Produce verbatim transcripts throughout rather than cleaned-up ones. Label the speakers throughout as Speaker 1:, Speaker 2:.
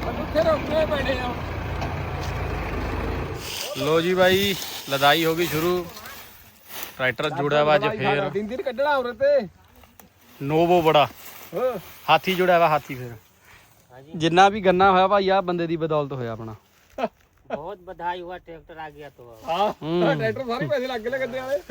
Speaker 1: लो जी भाई लदाई होगी शुरू। ट्रैक्टर जुड़ा हुआ अज फिर
Speaker 2: दिन दिन कड्ढਣਾ उरे ते
Speaker 1: नोवो बड़ा हाथी जुड़ा हुआ हाथी फिर जिन्ना भी गन्ना होया भाई आ बंदे दी बदौलत होया अपना।
Speaker 3: बहुत बधाई हुआ ट्रैक्टर आ गया तो।
Speaker 2: हां ट्रैक्टर सारे पैसे लग गए गद्दे वाले।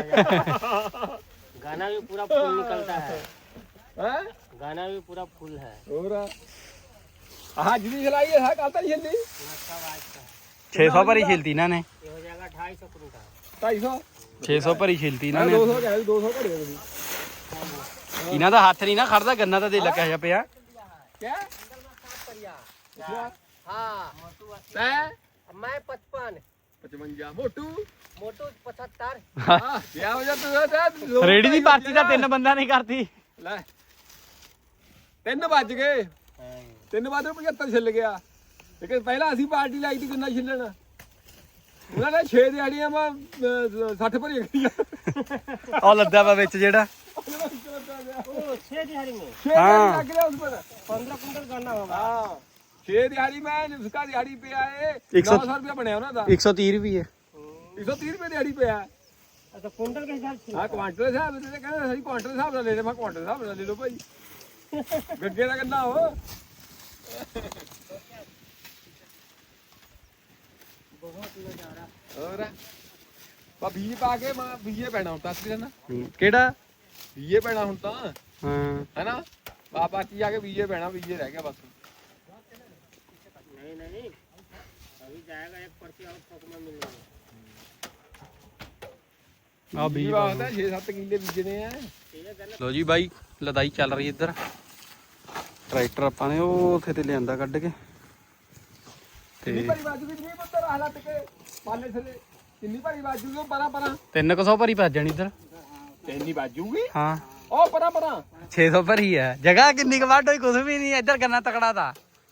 Speaker 3: गाना भी पूरा फुल निकलता है।
Speaker 2: हैं
Speaker 3: गाना भी पूरा फुल है।
Speaker 2: और हां जिदी चलाई है कल तक चली
Speaker 1: छह सौ भरी छिलती इन्होंने।
Speaker 3: ये हो जाएगा ढाई सौ कुंटल
Speaker 2: ढाई सौ
Speaker 1: छह सौ भरी छिलती इन्होंने।
Speaker 2: दो सौ कह दो सौ भरे ਤੁਸੀਂ
Speaker 1: ਇਹਨਾਂ ਦਾ ਹੱਥ ਨਹੀਂ ਨਾ ਖੜਦਾ ਗੰਨਾ ਤਾਂ ਦੇ ਲੱਗਾ ਜਾ ਪਿਆ।
Speaker 2: क्या
Speaker 3: हाँ
Speaker 2: मैं
Speaker 3: मैं पचपन
Speaker 2: पचवंजा मोटू
Speaker 3: मोटू पचहत्तर।
Speaker 2: हाँ क्या हो जाता
Speaker 1: ਰੇੜੀ ਦੀ ਪਾਰਟੀ ਤਾਂ ਤਿੰਨ ਬੰਦਾ ਨਹੀਂ ਕਰਦੀ।
Speaker 2: ਲੈ ਤਿੰਨ ਵੱਜ ਗਏ ਤਿੰਨ ਵੱਜ ਪਝੱਤਰ ਛਿੱਲ ਗਿਆ ਲੇਕਿਨ ਪਹਿਲਾਂ ਅਸੀਂ ਪਾਰਟੀ ਲਾਈ ਸੀ ਕਿੰਨਾ ਛਿੱਲਣ ਉਹਨਾਂ ਨੇ ਛੇ ਦਿਹਾੜੀਆਂ ਮੈਂ ਸੱਠ ਭਰੀ ਗਈਆਂ।
Speaker 1: ਉਹ ਲੱਦਾ ਵਾ ਵਿੱਚ ਜਿਹੜਾ
Speaker 3: छह दिहाड़ी में
Speaker 2: छह दिहाड़ी लग गया उस पर
Speaker 3: पंद्रह कुंटल गन्ना होगा।
Speaker 2: हाँ छह दिहाड़ी में उसका दिहाड़ी पे आए
Speaker 1: एक सौ-
Speaker 2: नौ सौ रुपया बनया उन्होंने था
Speaker 1: एक सौ तीस रुपये
Speaker 2: एक सौ तीस रुपये दिहाड़ी पे आया।
Speaker 3: अच्छा कुंटल के हिसाब से।
Speaker 2: हाँ क्वांटल हिसाब से कहते सही क्वांटल हिसाब से ले ले मैं क्वांटल हिसाब से ले लो भाई गड्ढे का गन्ना हो और बा बीज पा के मैं बीजे पैना ਹੁਣ ਤਾਂ ਅਸਲੀ ਨਾ
Speaker 1: ਕਿਹੜਾ
Speaker 2: बीजे पैना ਹੁਣ ਤਾਂ
Speaker 1: ਹਾਂ
Speaker 2: है ना बा बाकी जाके बीजे पैना बीजे रह गया बस।
Speaker 3: नहीं नहीं अभी जाएगा एक पर्ची और थोक में मिलेगा।
Speaker 1: ਆ
Speaker 2: बीज
Speaker 1: ਵੀ
Speaker 2: बात है छह सात किले बीजने हैं।
Speaker 1: ਲੋ ਜੀ ਬਾਈ ਲਦਾਈ ਚੱਲ ਰਹੀ ਇੱਧਰ। ਟਰੈਕਟਰ ਆਪਾਂ ਨੇ ਉਹ ਉੱਥੇ ਤੇ ਲਿਆਂਦਾ ਕੱਢ ਕੇ
Speaker 2: ਕਿੰਨੀ
Speaker 1: ਤੇ
Speaker 2: ਭਰੀ ਬਾਜੂ ਵੀ ਨਹੀਂ ਪੁੱਤਰ ਹਾਲਤ ਕੇ ਪਾਲੇ ਥਲੇ ਕਿੰਨੀ ਭਰੀ ਬਾਜੂ ਉਹ ਪਰਾਂ ਪਰਾਂ
Speaker 1: ਤਿੰਨ ਕੁ ਸੌ ਭਰੀ ਭੱਜ ਜਾਣੀ ਇੱਧਰ।
Speaker 2: ਇੰਨੀ ਬਾਜੂਗੀ
Speaker 1: ਹਾਂ
Speaker 2: ਉਹ ਪਰਾਂ ਪਰਾਂ
Speaker 1: ਛੇ ਸੌ ਭਰੀ ਹੈ ਜਗ੍ਹਾ ਕਿੰਨੀ ਕੁ ਵੱਢ ਹੋਈ ਕੁਝ ਵੀ ਨਹੀਂ ਇੱਧਰ ਗੰਨਾ ਤਕੜਾ ਦਾ।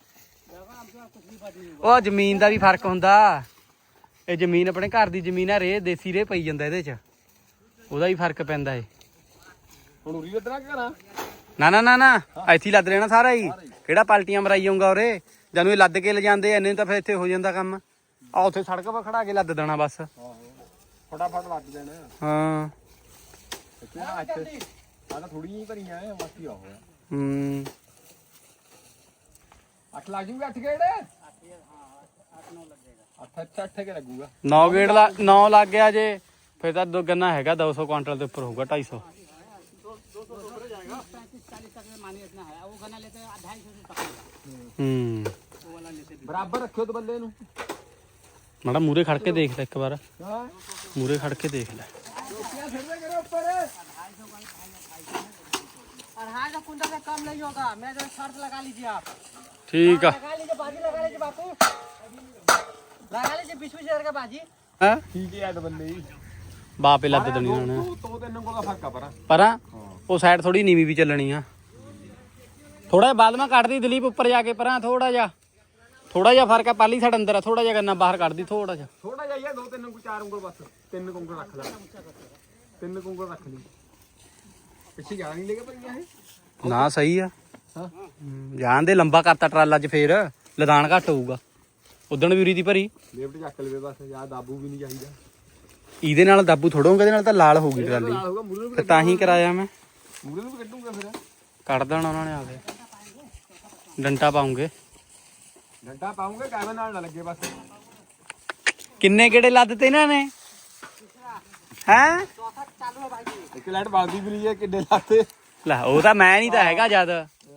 Speaker 1: ਉਹ ਜ਼ਮੀਨ ਦਾ ਵੀ ਫਰਕ ਹੁੰਦਾ। ਇਹ ਜ਼ਮੀਨ ਆਪਣੇ ਘਰ ਦੀ ਜ਼ਮੀਨ ਆ ਰੇ ਦੇਸੀ ਰੇ ਪਈ ਜਾਂਦਾ ਇਹਦੇ ਚ ਉਹਦਾ ਵੀ ਫਰਕ ਪੈਂਦਾ ਏ।
Speaker 2: ਹੁਣ ਉਰੀ ਲੱਦਣਾ ਕਿ ਕਰਾਂ
Speaker 1: ਨਾ ਨਾ ਨਾ ਨਾ ਇੱਥੇ ਹੀ ਲੱਦ ਲੈਣਾ ਸਾਰਾ ਹੀ ਕਿਹੜਾ ਪਲਟੀਆਂ ਮਰਾਈ ਜਾਊਗਾ ਉਰੇ ਜਦੋਂ ਇਹ ਲੱਦ ਕੇ ਲਿਜਾਂਦੇ ਐਨੇ ਤਾਂ ਫਿਰ ਇੱਥੇ ਹੋ ਜਾਂਦਾ ਕੰਮ। ਆ ਉੱਥੇ ਸੜਕ 'ਤੇ ਖੜਾ ਕੇ ਲੱਦ ਦੇਣਾ ਬਸ।
Speaker 2: ਆਹੋ ਫਟਾਫਟ ਲੱਦ ਦੇਣਾ
Speaker 1: ਹਾਂ
Speaker 2: ਇੱਥੇ ਨਾ ਇੱਥੇ ਆ ਤਾਂ ਥੋੜੀ ਜਿਹੀ ਭਰੀਆਂ ਐ ਬਾਕੀ ਆ ਹੋਇਆ
Speaker 1: ਹੂੰ
Speaker 2: ਅੱਠ ਲੱਗ ਜੂਗਾ ਅੱਠ ਗੇੜੇ ਅੱਠ ਅੱਠ ਅੱਠ ਕੇ ਲੱਗੂਗਾ
Speaker 1: ਨੌ ਗੇੜ ਲਾ ਨੌ ਲੱਗ ਗਿਆ ਜੇ ਫਿਰ ਤਾਂ ਦੋ ਗੰਨਾ ਹੈਗਾ ਦੋ ਸੌ ਕੁਆਂਟਲ ਦੇ ਉੱਪਰ ਹੋਊਗਾ ਢਾਈ ਸੌ। ਹੂੰ
Speaker 2: ਬਰਾਬਰ ਰੱਖਿਓ ਤੇ ਬੱਲੇ ਨੂੰ
Speaker 1: ਮਾੜਾ ਮੂਰੇ ਖੜ ਕੇ ਦੇਖ ਲੈ ਇੱਕ ਵਾਰ
Speaker 2: ਹਾਂ
Speaker 1: ਮੂਰੇ ਖੜ ਕੇ ਦੇਖ ਲੈ।
Speaker 2: ਰੋਟੀਆਂ ਛੱਡਦੇ ਕਰੋ ਉੱਪਰ
Speaker 3: अढ़ाई सौ कुंटल से कम नहीं होगा। मैं जो शर्त लगा लीजिए आप।
Speaker 1: ਠੀਕ ਆ
Speaker 3: लगा लीजिए बाजी लगा लीजिए बापू लगा लीजिए बीस बीस हजार का बाजी।
Speaker 1: ਹਾਂ
Speaker 2: ਠੀਕ ਹੈ ਤੇ ਬੱਲੇ ਹੀ
Speaker 1: ਬਾਪੇ ਲੱਦ ਦੇਣੀ ਉਹਨਾਂ ਨੇ
Speaker 2: ਦੋ ਦੋ ਤਿੰਨ ਕੋਲ ਦਾ ਫਰਕ ਆ ਪਰਾਂ
Speaker 1: ਪਰਾਂ ਉਹ ਸਾਈਡ ਥੋੜੀ ਨੀਵੀਂ ਵੀ ਚੱਲਣੀ ਆ। ਥੋੜਾ ਜਿਹਾ ਬਾਅਦ ਮੈਂ ਕੱਢਦੀ ਦਲੀਪ ਉੱਪਰ ਜਾ ਕੇ ਪਰਾਂ ਥੋੜਾ ਜਿਹਾ ਥੋੜਾ ਜਿਹਾ ਫਰਕ ਆ। ਪਾਲੀ ਸਾਡ ਅੰਦਰ ਆ ਥੋੜਾ ਜਿਹਾ ਗੰਨਾ ਬਾਹਰ ਕੱਢਦੀ ਥੋੜਾ ਜਿਹਾ
Speaker 2: ਥੋੜਾ ਜਿਹਾ ਦੋ ਤਿੰਨ ਉਂਗਲ ਚਾਰ ਉਂਗਲ ਬਸ ਤਿੰਨ ਉਂਗਲ ਰੱਖ ਲੈ ਤਿੰਨ ਉਂਗਲ ਰੱਖ ਲਈ ਪਿੱਛੇ ਜਾਣ ਨਹੀਂ ਲੈ ਕੇ ਭਰੀਆਂ ਇਹ
Speaker 1: ਨਾ ਸਹੀ ਆ।
Speaker 2: ਹਾਂ
Speaker 1: ਜਾਣ ਦੇ ਲੰਬਾ ਕਰਤਾ ਟਰਾਲਾ 'ਚ ਫੇਰ ਲਦਾਨ ਘੱਟ ਹੋਊਗਾ। ਉਦਣ ਵੀ ਉਰੀ ਦੀ ਭਰੀ
Speaker 2: ਲੇਫਟ ਚੱਕ ਲਵੇ ਬਸ ਯਾਰ ਦਾਬੂ ਵੀ ਨਹੀਂ ਚਾਹੀਦਾ
Speaker 1: ਇਹਦੇ ਨਾਲ ਦਾਬੂ ਥੋੜੋਂਗੇ ਇਹਦੇ ਨਾਲ ਤਾਂ ਲਾਲ ਹੋਊਗੀ ਟਰਾਲੀ
Speaker 2: ਨਾਲ ਹੋਊਗਾ ਮੂਰੇ ਨੂੰ
Speaker 1: ਤੇ ਤਾਂ ਹੀ ਕਰਾਇਆ ਮੈਂ
Speaker 2: ਮੂਰੇ ਨੂੰ ਵੀ ਕੱਢੂਗਾ ਫਿਰ
Speaker 1: ਕੱਢ ਦੇਣਾ ਉਹਨਾਂ ਨੇ ਆ ਕੇ ਡੰਟਾ ਪਾਉਂਗੇ
Speaker 2: ਡੰਡਾ ਪਾਉਂਗੇ ਕਾਇਮ ਨਾਲ ਨਾ ਲੱਗੇ ਬਸ
Speaker 1: ਕਿੰਨੇ ਕਿਹੜੇ ਲੱਦ ਤੇ ਇਹਨਾਂ ਨੇ ਹੈ
Speaker 2: ਇੱਕ ਲਾਈਟ ਬਲਦੀ ਵੀ ਨਹੀਂ ਹੈ ਕਿੱਡੇ ਲਾਤੇ
Speaker 1: ਲੈ ਉਹ ਤਾਂ ਮੈਂ ਨਹੀਂ ਤਾਂ ਹੈਗਾ ਜਦ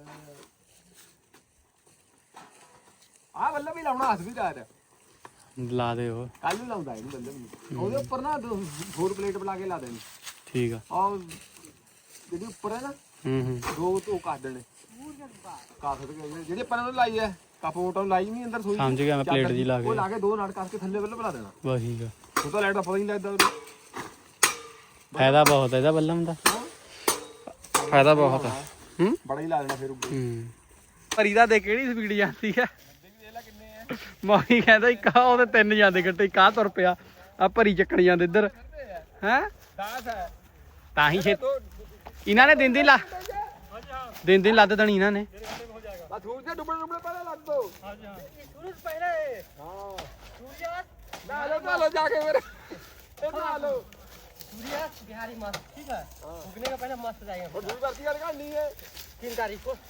Speaker 2: ਆਹ ਬੱਲਾ ਵੀ ਲਾਉਣਾ ਹੱਥ ਵੀ ਦਾਰ
Speaker 1: ਲਾ ਦੇ ਉਹ
Speaker 2: ਕੱਲ ਨੂੰ ਲਾਉਂਦਾ ਇਹਨੂੰ ਬੱਲੇ ਵੀ ਉਹਦੇ ਉੱਪਰ ਨਾ ਫੋਰ ਪਲੇਟ ਬਣਾ ਕੇ ਲਾ ਦੇਣੀ
Speaker 1: ਠੀਕ ਆ
Speaker 2: ਆਹ ਜਿਹੜੀ ਉੱਪਰ ਹੈ ਨਾ
Speaker 1: ਹੂੰ ਹੂੰ
Speaker 2: ਦੋ ਧੋ ਕੱਢ ਦੇਣੇ ਕਾਫ ਜਿਹੜੇ ਆਪਾਂ ਨੇ ਲਾਈ ਹੈ ਕਾਪੋਟਾਂ ਲਾਈ ਨਹੀਂ ਅੰਦਰ ਸੋਈ
Speaker 1: ਸਮਝ ਗਿਆ ਮੈਂ ਪਲੇਟ ਜੀ ਲਾ
Speaker 2: ਉਹ
Speaker 1: ਕੇ
Speaker 2: ਲਾ ਕੇ ਦੋ ਨਾਟ ਕਰਕੇ ਥੱਲੇ ਵੱਲ ਬਣਾ ਦੇਣਾ
Speaker 1: ਬਸ ਠੀਕ ਆ
Speaker 2: ਉਹ ਤਾਂ ਲਾਈਟ ਦਾ ਪਤਾ ਹੀ ਨਹੀਂ ਲੱਗਦਾ ਉਹਨੂੰ
Speaker 1: ਫਾਇਦਾ ਬਹੁਤ ਹੈ ਇਹਦਾ ਬੱਲਮ ਦਾ ਫਾਇਦਾ ਬਹੁਤ ਆ ਹੂੰ
Speaker 2: ਬੜਾ ਹੀ ਲਾ ਦੇਣਾ ਫਿਰ ਉੱਪਰ
Speaker 1: ਹੂੰ ਭਰੀ ਦਾ ਦੇ ਕਿਹੜੀ ਸਪੀਡ ਜਾਂਦੀ ਆ ਮਾਹੀ ਕਹਿੰਦਾ ਇੱਕ ਆ ਉਹਦੇ ਤਿੰਨ ਜਾਂਦੇ ਗੱਟੇ ਇੱਕ ਆ ਤੁਰ ਪਿਆ ਆ ਭਰੀ ਚੱਕਣ ਜਾਂਦੇ ਇੱਧਰ ਹੈ
Speaker 2: ਦਸ ਹੈ
Speaker 1: ਤਾਂ ਹੀ ਛੇ ਇਹਨਾਂ ਨੇ ਦਿਨ ਦਿਨ ਲਾ ਦਿਨ ਦਿਨ ਲੱਦ ਦੇਣੀ ਇਹਨਾਂ ਨੇ
Speaker 2: ਬਸ ਸੂਰਜ ਦੇ ਡੁੱਬਣ ਡੁੱਬਣ ਪਹਿਲਾਂ ਲੱਗ ਦੋ
Speaker 3: ये सूरज पहले है
Speaker 2: ਹਾਂ
Speaker 3: सूर्यास्त
Speaker 2: ਨਾ ਲੋ ਨਾ ਲੋ ਜਾ ਕੇ ਫਿਰ ਇਹ ਨਾ ਲੋ
Speaker 3: सूर्यास्त बिहारी मस्त ठीक है उगने का पहले मस्त जाएगा
Speaker 2: ਹੁਣ ਦੂਰ ਕਰਤੀ ਗੱਲ ਕਰਨੀ ਹੈ
Speaker 3: तीन तारीख को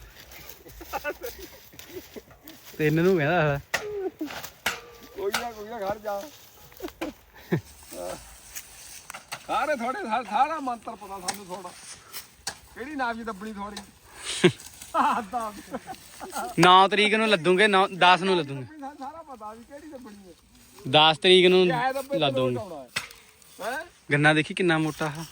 Speaker 1: ਤਿੰਨ ਨੂੰ ਕਹਿੰਦਾ
Speaker 2: ਕੋਈ ਨਾ ਕੋਈ ਨਾ ਘਰ ਜਾ ਸਾਰੇ ਥੋੜੇ ਸਾਰਾ ਮੰਤਰ ਪਤਾ ਸਾਨੂੰ ਥੋੜਾ ਕਿਹੜੀ ਨਾਮ ਜੀ ਦੱਬਣੀ ਥੋੜੀ ਆਦਾ
Speaker 1: ਨੌ ਤਰੀਕ ਨੂੰ ਲੱਦੂਗੇ ਨੌ ਦਸ ਨੂੰ ਲੱਦੂਗੇ
Speaker 2: ਸਾਰਾ ਪਤਾ ਵੀ ਕਿਹੜੀ ਦੱਬਣੀ ਹੈ
Speaker 1: ਦਸ ਤਰੀਕ ਨੂੰ
Speaker 2: ਇਹ ਦੱਬੇ
Speaker 1: ਲੱਦੂਗੇ
Speaker 2: ਹੈ
Speaker 1: ਗੰਨਾ ਦੇਖੀ ਕਿੰਨਾ ਮੋਟਾ ਆ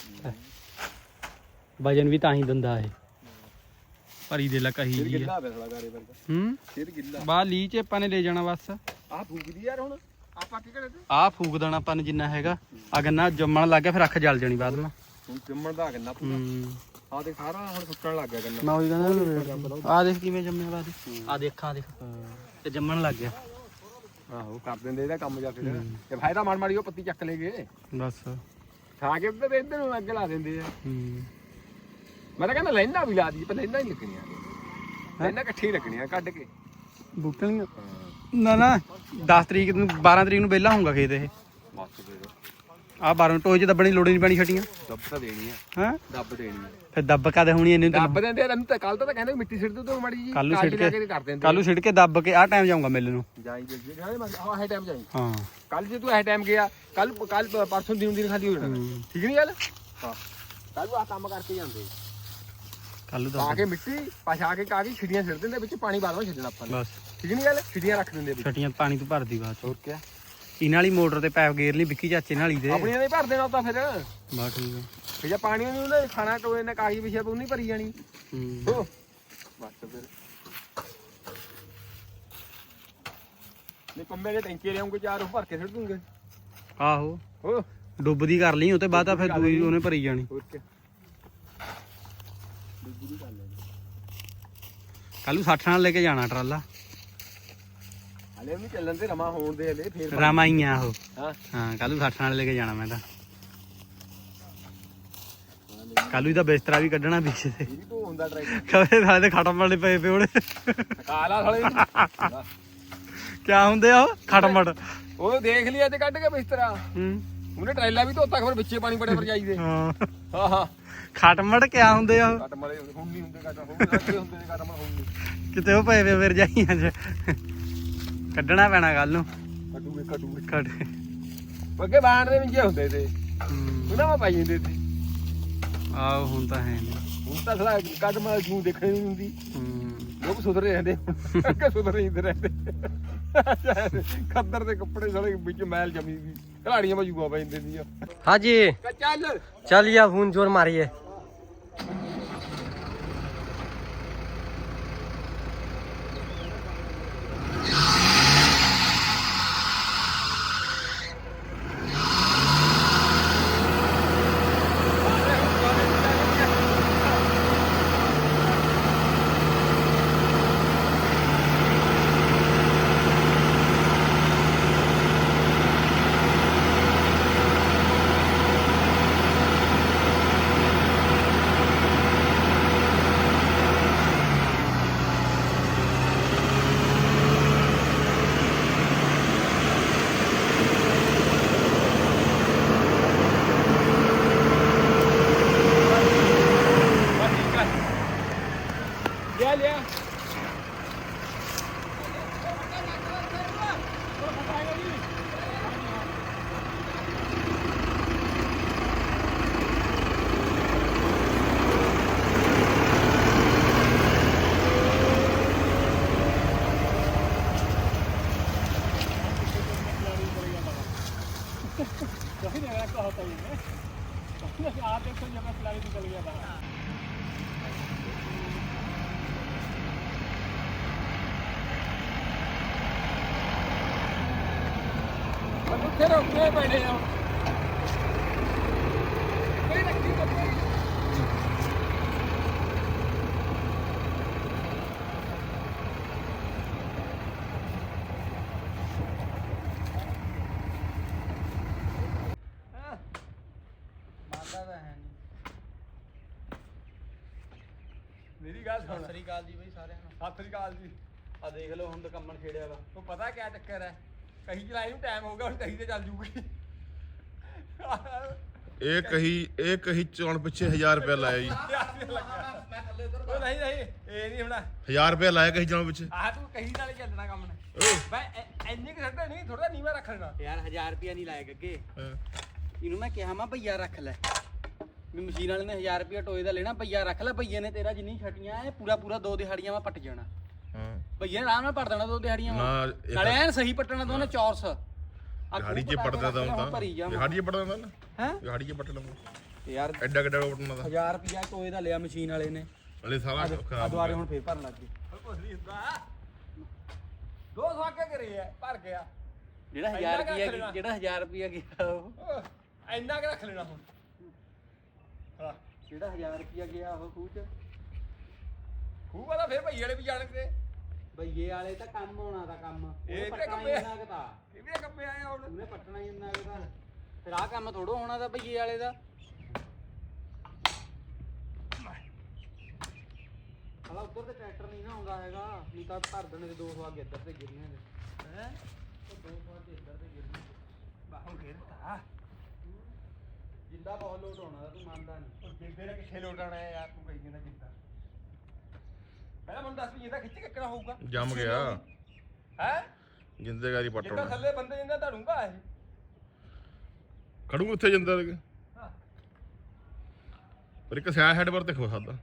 Speaker 1: ਵਜਨ ਵੀ ਤਾਂ ਹੀ ਦਿੰਦਾ ਇਹ ਭਰੀ ਦੇ ਲਾ ਕਹੀ
Speaker 2: ਫਿਰ
Speaker 1: ਜੀ ਆ।
Speaker 2: ਗਿੱਲਾ ਬੈਠਾ ਗਾਰੇ ਵਰਗਾ
Speaker 1: ਹੂੰ
Speaker 2: ਫਿਰ ਗਿੱਲਾ
Speaker 1: ਬਾਹ ਲੀ ਚ ਆਪਾਂ ਨੇ ਲੈ ਜਾਣਾ ਬਸ
Speaker 2: ਆਹ ਫੂਕਦੀ ਯਾਰ ਹੁਣ ਆਪਾਂ ਕੀ ਕਰੇ ਤੇ
Speaker 1: ਆਹ ਫੂਕ ਦੇਣਾ ਆਪਾਂ ਨੇ ਜਿੰਨਾ ਹੈਗਾ ਆ ਗੰਨਾ ਜੰਮਣ ਲੱਗ ਗਿਆ ਫਿਰ ਅੱਖ ਜਲ ਜਾਣੀ ਬਾਅਦ ਵਿੱਚ
Speaker 2: ਹੁਣ ਜੰਮਣ ਦਾ ਗੰਨਾ ਪੂਰਾ
Speaker 1: ਹੂੰ
Speaker 2: ਆਹ ਦੇਖ ਸਾਰਾ ਹੁਣ ਸੁੱਕਣ ਲੱਗ ਗਿਆ ਗੰਨਾ
Speaker 1: ਮੈਂ ਉਹੀ ਕਹਿੰਦਾ ਆ ਦੇਖ ਕਿਵੇਂ ਜੰਮਿਆ ਬਾਅਦ ਆ ਦੇਖਾਂ ਦੇਖ ਤੇ ਜੰਮਣ ਲੱਗ ਗਿਆ
Speaker 2: ਆਹੋ ਕਰ ਦਿੰਦੇ ਇਹਦਾ ਕੰਮ ਜਾ ਫਿਰ ਤੇ ਫਾਇਦਾ ਮਾਰ ਮਾਰੀ ਉਹ ਪੱਤੀ ਚੱਕ ਲੈ ਗਏ
Speaker 1: ਬਸ
Speaker 2: ਖਾ ਕੇ ਤੇ ਇੱਧਰ ਨੂੰ ਅੱਗ ਲਾ ਦਿੰਦੇ ਆ
Speaker 1: ਹੂੰ
Speaker 2: ਮੈਂ ਤਾਂ ਕਹਿੰਦਾ ਲੈਣਾ ਵੀ ਲਾ ਦੀ ਪਰ ਲੈਣਾ ਹੀ ਲੱਗਣੀਆਂ ਲੈਣਾ ਇਕੱਠੀ ਲੱਗਣੀਆਂ ਕੱਢ ਕੇ
Speaker 1: ਬੂਟੇ ਨਾ ਨਾ ਦਸ ਤਰੀਕ ਨੂੰ ਬਾਰਾਂ ਤਰੀਕ ਨੂੰ ਵਿਹਲਾ ਹੋਊਗਾ ਖੇਤ ਇਹ
Speaker 2: ਬਸ ਫਿਰ
Speaker 1: ਆ ਬਾਰਾਂ ਟੋਏ ਚ ਦੱਬਣੀ ਲੋੜ ਨਹੀਂ ਪੈਣੀ ਛਟੀਆਂ
Speaker 2: ਦੱਬ ਤਾਂ ਦੇਣੀ ਆ
Speaker 1: ਹਾਂ
Speaker 2: ਦੱਬ ਦੇਣੀ ਆ
Speaker 1: ਫਿਰ ਦੱਬ ਕਦੇ ਹੋਣੀ ਇਹਨੇ
Speaker 2: ਦੱਬ ਦਿੰਦੇ ਆ ਤੈਨੂੰ ਤਾਂ ਕੱਲ ਤਾਂ ਕਹਿੰਦੇ ਮਿੱਟੀ ਸਿੱਟ ਦੋ ਮਾੜੀ ਜੀ
Speaker 1: ਕੱਲ੍ਹ ਨੂੰ ਸਿੱਟ
Speaker 2: ਲਾ
Speaker 1: ਕੇ
Speaker 2: ਕਰ ਦਿੰਦੇ
Speaker 1: ਕੱਲੂ ਸਿੱਟ ਕੇ ਦੱਬ ਕੇ ਆਹ ਟਾਈਮ ਜਾਊਂਗਾ ਮਿਲ ਨੂੰ
Speaker 2: ਜਾਈ ਜੇ ਜਾਈ ਮੈਂ ਆਹ ਹੈ ਟਾਈਮ ਜਾਈ
Speaker 1: ਹਾਂ
Speaker 2: ਕੱਲ ਜੇ ਤੂੰ ਇਹ ਟਾਈਮ ਗਿਆ ਕੱਲ ਕੱਲ ਪਰਸੋਂ ਦਿਨ ਦਿਨ ਖਾਲੀ ਹੋ ਜਾਣਾ ਠੀਕ ਨਹੀਂ ਗੱਲ ਹਾਂ ਕੱਲ ਨੂੰ ਆ ਕੰਮ ਕਰਕੇ ਜਾਂਦੇ
Speaker 1: ਕੱਲੂ
Speaker 2: ਪਾ
Speaker 1: ਦੱਬ
Speaker 2: ਕੇ ਮਿੱਟੀ ਪਛਾ ਕੇ ਕਾ ਕੇ ਛਿੜੀਆਂ ਸਿੱਟ ਦਿੰਦੇ ਵਿੱਚ ਪਾਣੀ ਬਾਅਦ ਵਿੱਚ ਛੱਡਣਾ ਆਪਾਂ ਨੇ
Speaker 1: ਬਸ
Speaker 2: ਠੀਕ ਨਹੀਂ ਗੱਲ ਛਿੜੀਆਂ ਰੱਖ ਦਿੰਦੇ ਵਿੱਚ
Speaker 1: ਛਟੀਆਂ ਪਾਣੀ ਤੋਂ ਭਰਦੀ ਬਾਅਦ ਚ
Speaker 2: ਹੋਰ ਕੀ
Speaker 1: ਇਹਨਾਂ ਵਾਲੀ ਮੋਟਰ ਤੇ ਪੈਪ ਗੇਰ ਲਈ ਵਿੱਕੀ ਚਾਚੇ ਨਾਲ ਹੀ ਦੇ
Speaker 2: ਆਪਣੀਆਂ ਨੇ ਭਰ ਦੇਣਾ ਤਾਂ ਫਿਰ
Speaker 1: ਬਾ ਠੀਕ ਆ
Speaker 2: ਫਿਰ ਜੇ ਪਾਣੀ ਨੂੰ ਉਹਨੇ ਖਾਣਾ ਟੋਏ ਨੇ ਕਾਹੀ ਵਿਛਿਆ ਉਹ ਨਹੀਂ ਭਰੀ ਜਾਣੀ
Speaker 1: ਹੂੰ
Speaker 2: ਹੋ ਬਸ ਫਿਰ ਨਹੀਂ ਪੰਮੇ ਦੇ ਟੈਂਕੇ ਲਿਆਉਂਗੇ ਚਾਰ ਉਹ ਭਰ ਕੇ ਸਿੱਟ ਦੂੰਗੇ
Speaker 1: ਆਹੋ
Speaker 2: ਹੋ
Speaker 1: ਡੁੱਬਦੀ ਕਰ ਲਈ ਉਹ ਤੇ ਬਾਅਦ ਆ ਫਿਰ ਦੂਈ ਉਹਨੇ ਭਰੀ ਜਾਣੀ
Speaker 2: ਹੋਰ ਕੀ
Speaker 1: ਕੱਲੂ ਸੱਠ ਨਾਲ ਲੈ ਕੇ ਜਾਣਾ ਟਰਾਲਾ
Speaker 2: ਹਲੇ ਵੀ ਚੱਲਣ ਤੇ ਰਮਾ ਹੋਣ ਦੇ ਹਲੇ ਫੇਰ
Speaker 1: ਰਾਮਾਈਆਂ ਉਹ
Speaker 2: ਹਾਂ
Speaker 1: ਹਾਂ ਕੱਲੂ ਸੱਠ ਨਾਲ ਲੈ ਕੇ ਜਾਣਾ ਮੈਂ ਤਾਂ ਕੱਲੂ ਦਾ ਬਿਸਤਰਾ ਵੀ ਕੱਢਣਾ ਪਿੱਛੇ ਤੇ
Speaker 2: ਇਹ ਵੀ ਤੋਂ ਹੁੰਦਾ ਟਰੈਕਟਰ
Speaker 1: ਕਦੇ ਸਾਲੇ ਖਟਮ ਵਾਲੇ ਪਏ ਪਏ ਉਹਦੇ
Speaker 2: ਕਾਲਾ ਸਾਲੇ
Speaker 1: ਕਿਆ ਹੁੰਦੇ ਆ ਉਹ ਖਟਮੜ
Speaker 2: ਉਹ ਦੇਖ ਲਿਆ ਤੇ ਕੱਢ ਕੇ ਬਿਸਤਰਾ
Speaker 1: ਹੂੰ
Speaker 2: ਉਹਨੇ ਟਰੈਲਾ ਵੀ ਧੋਤਾ ਖਬਰ ਵਿੱਚੇ ਪਾਣੀ ਬੜੇ ਪਰ ਜਾਈਦੇ
Speaker 1: ਹਾਂ
Speaker 2: ਹਾਂ ਹਾਂ
Speaker 1: ਖਟਮੜ ਕਿਆ ਹੁੰਦੇ ਆ ਉਹ
Speaker 2: ਕੱਟ ਮਲੇ ਹੁਣ ਨਹੀਂ ਹੁੰਦੇ ਕੱਟ ਹੁਣ ਅੱਗੇ ਹੁੰਦੇ ਨੇ ਕੱਟ ਮਲ ਹੁਣ ਨਹੀਂ
Speaker 1: ਕਿਤੇ ਉਹ ਪਏ ਪਏ ਫਿਰ ਜਾਈਆਂ ਚ ਕੱਢਣਾ ਪੈਣਾ ਕੱਲ ਨੂੰ
Speaker 2: ਕੱਟੂਗੇ ਕੱਟੂਗੇ
Speaker 1: ਕੱਢ
Speaker 2: ਅੱਗੇ ਬਾਣ ਦੇ ਵਿੱਚ ਹੁੰਦੇ ਤੇ
Speaker 1: ਹੂੰ
Speaker 2: ਉਹਨਾਂ ਮਾ ਪਾਈ ਜਾਂਦੇ ਤੇ
Speaker 1: ਆਹ ਹੁਣ ਤਾਂ ਹੈ ਨਹੀਂ
Speaker 2: ਹੁਣ ਤਾਂ ਸਾਲਾ ਕੱਟ ਮਲ ਨੂੰ ਦੇਖਣ ਨਹੀਂ ਹੁੰਦੀ
Speaker 1: ਹੂੰ
Speaker 2: ਲੋਕ ਸੁਧਰੇ ਰਹਿੰਦੇ ਅੱਗੇ ਸੁਧਰੇ ਹੀ ਰਹਿੰਦੇ ਖੱਦਰ ਦੇ ਕੱਪੜੇ ਸਾਲੇ ਵਿੱਚ ਮੈਲ ਜਮੀ ਗਈ ਖਿਲਾੜੀਆਂ ਮਜੂਗਾ ਪੈ ਜਾਂਦੇ ਦੀਆਂ
Speaker 3: हाँ जी
Speaker 2: ਚੱਲ
Speaker 3: चलिए अब हूं जोर मारिए
Speaker 2: ਲਿਆ ਲਿਆ ਉੱਥੇ ਰੋਕੇ ਬੈਠੇ ਆ ਕੋਈ ਰੱਖੀ ਕੱਪੜੇ ਮੇਰੀ ਗੱਲ ਸੁਣ
Speaker 1: ਸਤਿ ਸ੍ਰੀ ਅਕਾਲ ਜੀ ਬਈ ਸਾਰਿਆਂ ਨੂੰ।
Speaker 2: ਸਤਿ ਸ੍ਰੀ ਅਕਾਲ ਜੀ।
Speaker 1: ਆ ਦੇਖ ਲਓ ਹੁਣ ਤਾਂ ਕੰਮਣ ਛੇੜਿਆ ਵਾ।
Speaker 2: ਉਹ ਪਤਾ ਕਿਆ ਚੱਕਰ ਹੈ, ਕਹੀ ਚਲਾਈ ਨੂੰ ਟਾਈਮ ਹੋ ਗਿਆ, ਹੁਣ ਕਹੀ ਤੇ ਚੱਲ ਜੂਗੀ।
Speaker 4: ਇਹ ਕਹੀ ਇਹ ਕਹੀ ਚੌਣ ਪਿੱਛੇ ਹਜ਼ਾਰ ਰੁਪਇਆ ਲਾਇਆ ਜੀ।
Speaker 1: ਮੈਂ ਥੱਲੇ ਉਧਰ
Speaker 2: ਉਹ ਨਹੀਂ ਨਹੀਂ ਇਹ ਨਹੀਂ ਹੋਣਾ।
Speaker 4: ਹਜ਼ਾਰ ਰੁਪਇਆ ਲਾਇਆ ਕਹੀ ਚੌਣ ਪਿੱਛੇ।
Speaker 2: ਆਹ ਤੂੰ ਕਹੀ ਨਾਲ ਹੀ ਚੱਲਣਾ ਕੰਮ ਨੇ
Speaker 4: ਓਏ
Speaker 2: ਬਈ ਇੰਨੀ ਕਿ ਛੱਡਣਾ ਨਹੀਂ, ਥੋੜਾ ਨੀਵਾ ਰੱਖ ਲੈਣਾ।
Speaker 1: ਯਾਰ ਹਜ਼ਾਰ ਰੁਪਿਆ ਨਹੀਂ ਲਾਇਆ ਗੱਗੇ।
Speaker 4: ਹਾਂ।
Speaker 1: ਇਹਨੂੰ ਮੈਂ ਕਿਹਾ ਮੈਂ ਭਈਆ ਰੱਖ ਲੈ ਵੀ ਮਸ਼ੀਨ ਵਾਲੇ ਨੇ ਹਜ਼ਾਰ ਰੁਪਿਆ ਟੋਏ ਦਾ ਲੈਣਾ, ਭਈਆ ਰੱਖ ਲੈ। ਭਈਏ ਨੇ ਤੇਰਾ ਜਿੰਨੀ ਛਟੀਆਂ ਇਹ ਪੂਰਾ ਪੂਰਾ ਦੋ ਦਿਹਾੜੀਆਂ ਮੈਂ ਪੱਟ ਜਾਣਾ।
Speaker 4: ਹਾਂ
Speaker 1: ਭਈਏ ਨੇ ਆਰਾਮ ਨਾਲ ਪੱਟ ਦੇਣਾ ਦੋ ਦਿਹਾੜੀਆਂ
Speaker 4: ਨਾ
Speaker 1: ਵਾਂ।
Speaker 4: ਇਹ
Speaker 1: ਨਾਲੇ ਐਨ ਸਹੀ ਪੱਟਣਾ ਦੋਨੇ ਚੌਰਸ।
Speaker 4: ਦਿਹਾੜੀ 'ਚ ਪੜਦਾ ਤਾਂ ਹੁੰਦਾ
Speaker 1: ਭਰੀ ਜਾ
Speaker 4: ਦਿਹਾੜੀ 'ਚ ਪੜਦਾ ਹੁੰਦਾ ਨਾ
Speaker 1: ਹੈ
Speaker 4: ਦਿਹਾੜੀ 'ਚ ਪੱਟ ਲਵਾਂ
Speaker 1: ਯਾਰ।
Speaker 4: ਐਡਾ ਕਿੱਡਾ ਪਟਣਾ ਦਾ
Speaker 1: ਹਜ਼ਾਰ ਰੁਪਿਆ ਟੋਏ ਦਾ ਲਿਆ ਮਸ਼ੀਨ ਵਾਲੇ ਨੇ।
Speaker 4: ਹਲੇ ਸਾਰਾ
Speaker 1: ਆ
Speaker 4: ਖਰਾਬ
Speaker 1: ਦੁਆਰੇ ਹੁਣ ਫੇਰ ਭਰਨ ਲੱਗ ਗਏ।
Speaker 2: ਕੁਝ ਨਹੀਂ ਹੁੰਦਾ। ਦੋ ਸੌ ਕੇ ਕਰੇ ਆ ਭਰ ਗਿਆ।
Speaker 1: ਜਿਹੜਾ
Speaker 2: ਇੰਨਾ
Speaker 1: ਹਜ਼ਾਰ
Speaker 2: ਕੁ ਰੱਖ
Speaker 1: ਰੁਪਿਆ
Speaker 2: ਲੈਣਾ।
Speaker 1: ਜਿਹੜਾ ਹਜ਼ਾਰ ਰੁਪਿਆ ਗਿਆ ਉਹ
Speaker 2: ਉਹ ਇੰਨਾ ਕਿ ਰੱਖ ਲੈਣਾ ਹੁਣ। ਹਾਂ
Speaker 1: ਜਿਹੜਾ ਹਜ਼ਾਰ ਰੁਪਿਆ ਗਿਆ ਉਹ ਖੂਹ ਚ
Speaker 2: ਖੂਹ ਵਾਲਾ ਫਿਰ ਭਈ ਵਾਲੇ ਵੀ ਜਾਣਗੇ।
Speaker 1: ਭਈਏ ਵਾਲੇ ਤਾਂ ਕੰਮ ਹੋਣਾ ਦਾ ਕੰਮ
Speaker 2: ਇਹ
Speaker 1: ਇਹ
Speaker 2: ਤਾਂ
Speaker 1: ਪੱਟਣਾ
Speaker 2: ਕੰਮੇ-
Speaker 1: ਇੰਨਾ ਕੁ ਤਾਂ
Speaker 2: ਇਹ ਵੀ ਕੰਮੇ ਆਏ ਹੁਣ।
Speaker 1: ਉਹਨੇ ਪੱਟਣਾ ਹੀ ਇੰਨਾ ਕੁ ਤਾਂ ਫਿਰ ਆਹ ਕੰਮ ਥੋੜੋ ਹੋਣਾ ਦਾ ਭਈਏ ਵਾਲੇ ਦਾ। ਹਲਾ ਉੱਧਰ ਤੇ ਟਰੈਕਟਰ ਨਹੀਂ ਨਾ ਆਉਂਦਾ ਹੈਗਾ, ਨਹੀਂ ਤਾਂ ਭਰ ਦੇਣੇ ਤੇ ਦੋ ਸੌ ਅੱਗੇ ਇੱਧਰ ਤੇ ਗਿਰਨੀਆਂ ਨੇ।
Speaker 2: ਹੈ
Speaker 1: ਉਹ ਦੋ ਸੌ ਅੱਗੇ ਇੱਧਰ ਤੇ ਗਿਰਨੀਆਂ।
Speaker 2: ਬਾਹੋਂ ਘੇਰਤਾ।
Speaker 1: ਜਿੰਦਾ ਬਹੁਤ ਲੋਟ ਹੋਣਾ ਦਾ, ਤੂੰ ਮੰਨਦਾ ਨਹੀਂ।
Speaker 2: ਉਹ ਜਿੰਦੇ ਨੇ ਕਿੱਥੇ ਲੋਟਾਣਾ ਹੈ ਯਾਰ, ਤੂੰ ਕਹੀ ਜਾਂਦਾ ਜਿੰਦਾ। ਪਹਿਲਾਂ ਮੈਨੂੰ ਦੱਸ ਵੀ ਜਿੰਦਾ ਖਿੱਚ ਕੇ ਕਿਹੜਾ ਹੋਊਗਾ।
Speaker 4: ਜੰਮ ਗਿਆ
Speaker 2: ਹੈ
Speaker 4: ਜਿੰਦੇਗਾਰੀ
Speaker 2: ਜਿੰਦਾ
Speaker 4: ਪਟਣਾ
Speaker 2: ਥੱਲੇ ਬੰਦੇ ਜਿੰਦਾ ਧੜੂਗਾ ਇਹ।
Speaker 4: ਖੜੂ ਉੱਥੇ ਜਾਂਦਾ ਲਗੇ
Speaker 2: ਹਾਂ
Speaker 4: ਪਰ ਇੱਕ ਸਿਆ ਹੈਡ ਪਰ ਤੇ ਖੋ ਸਕਦਾ।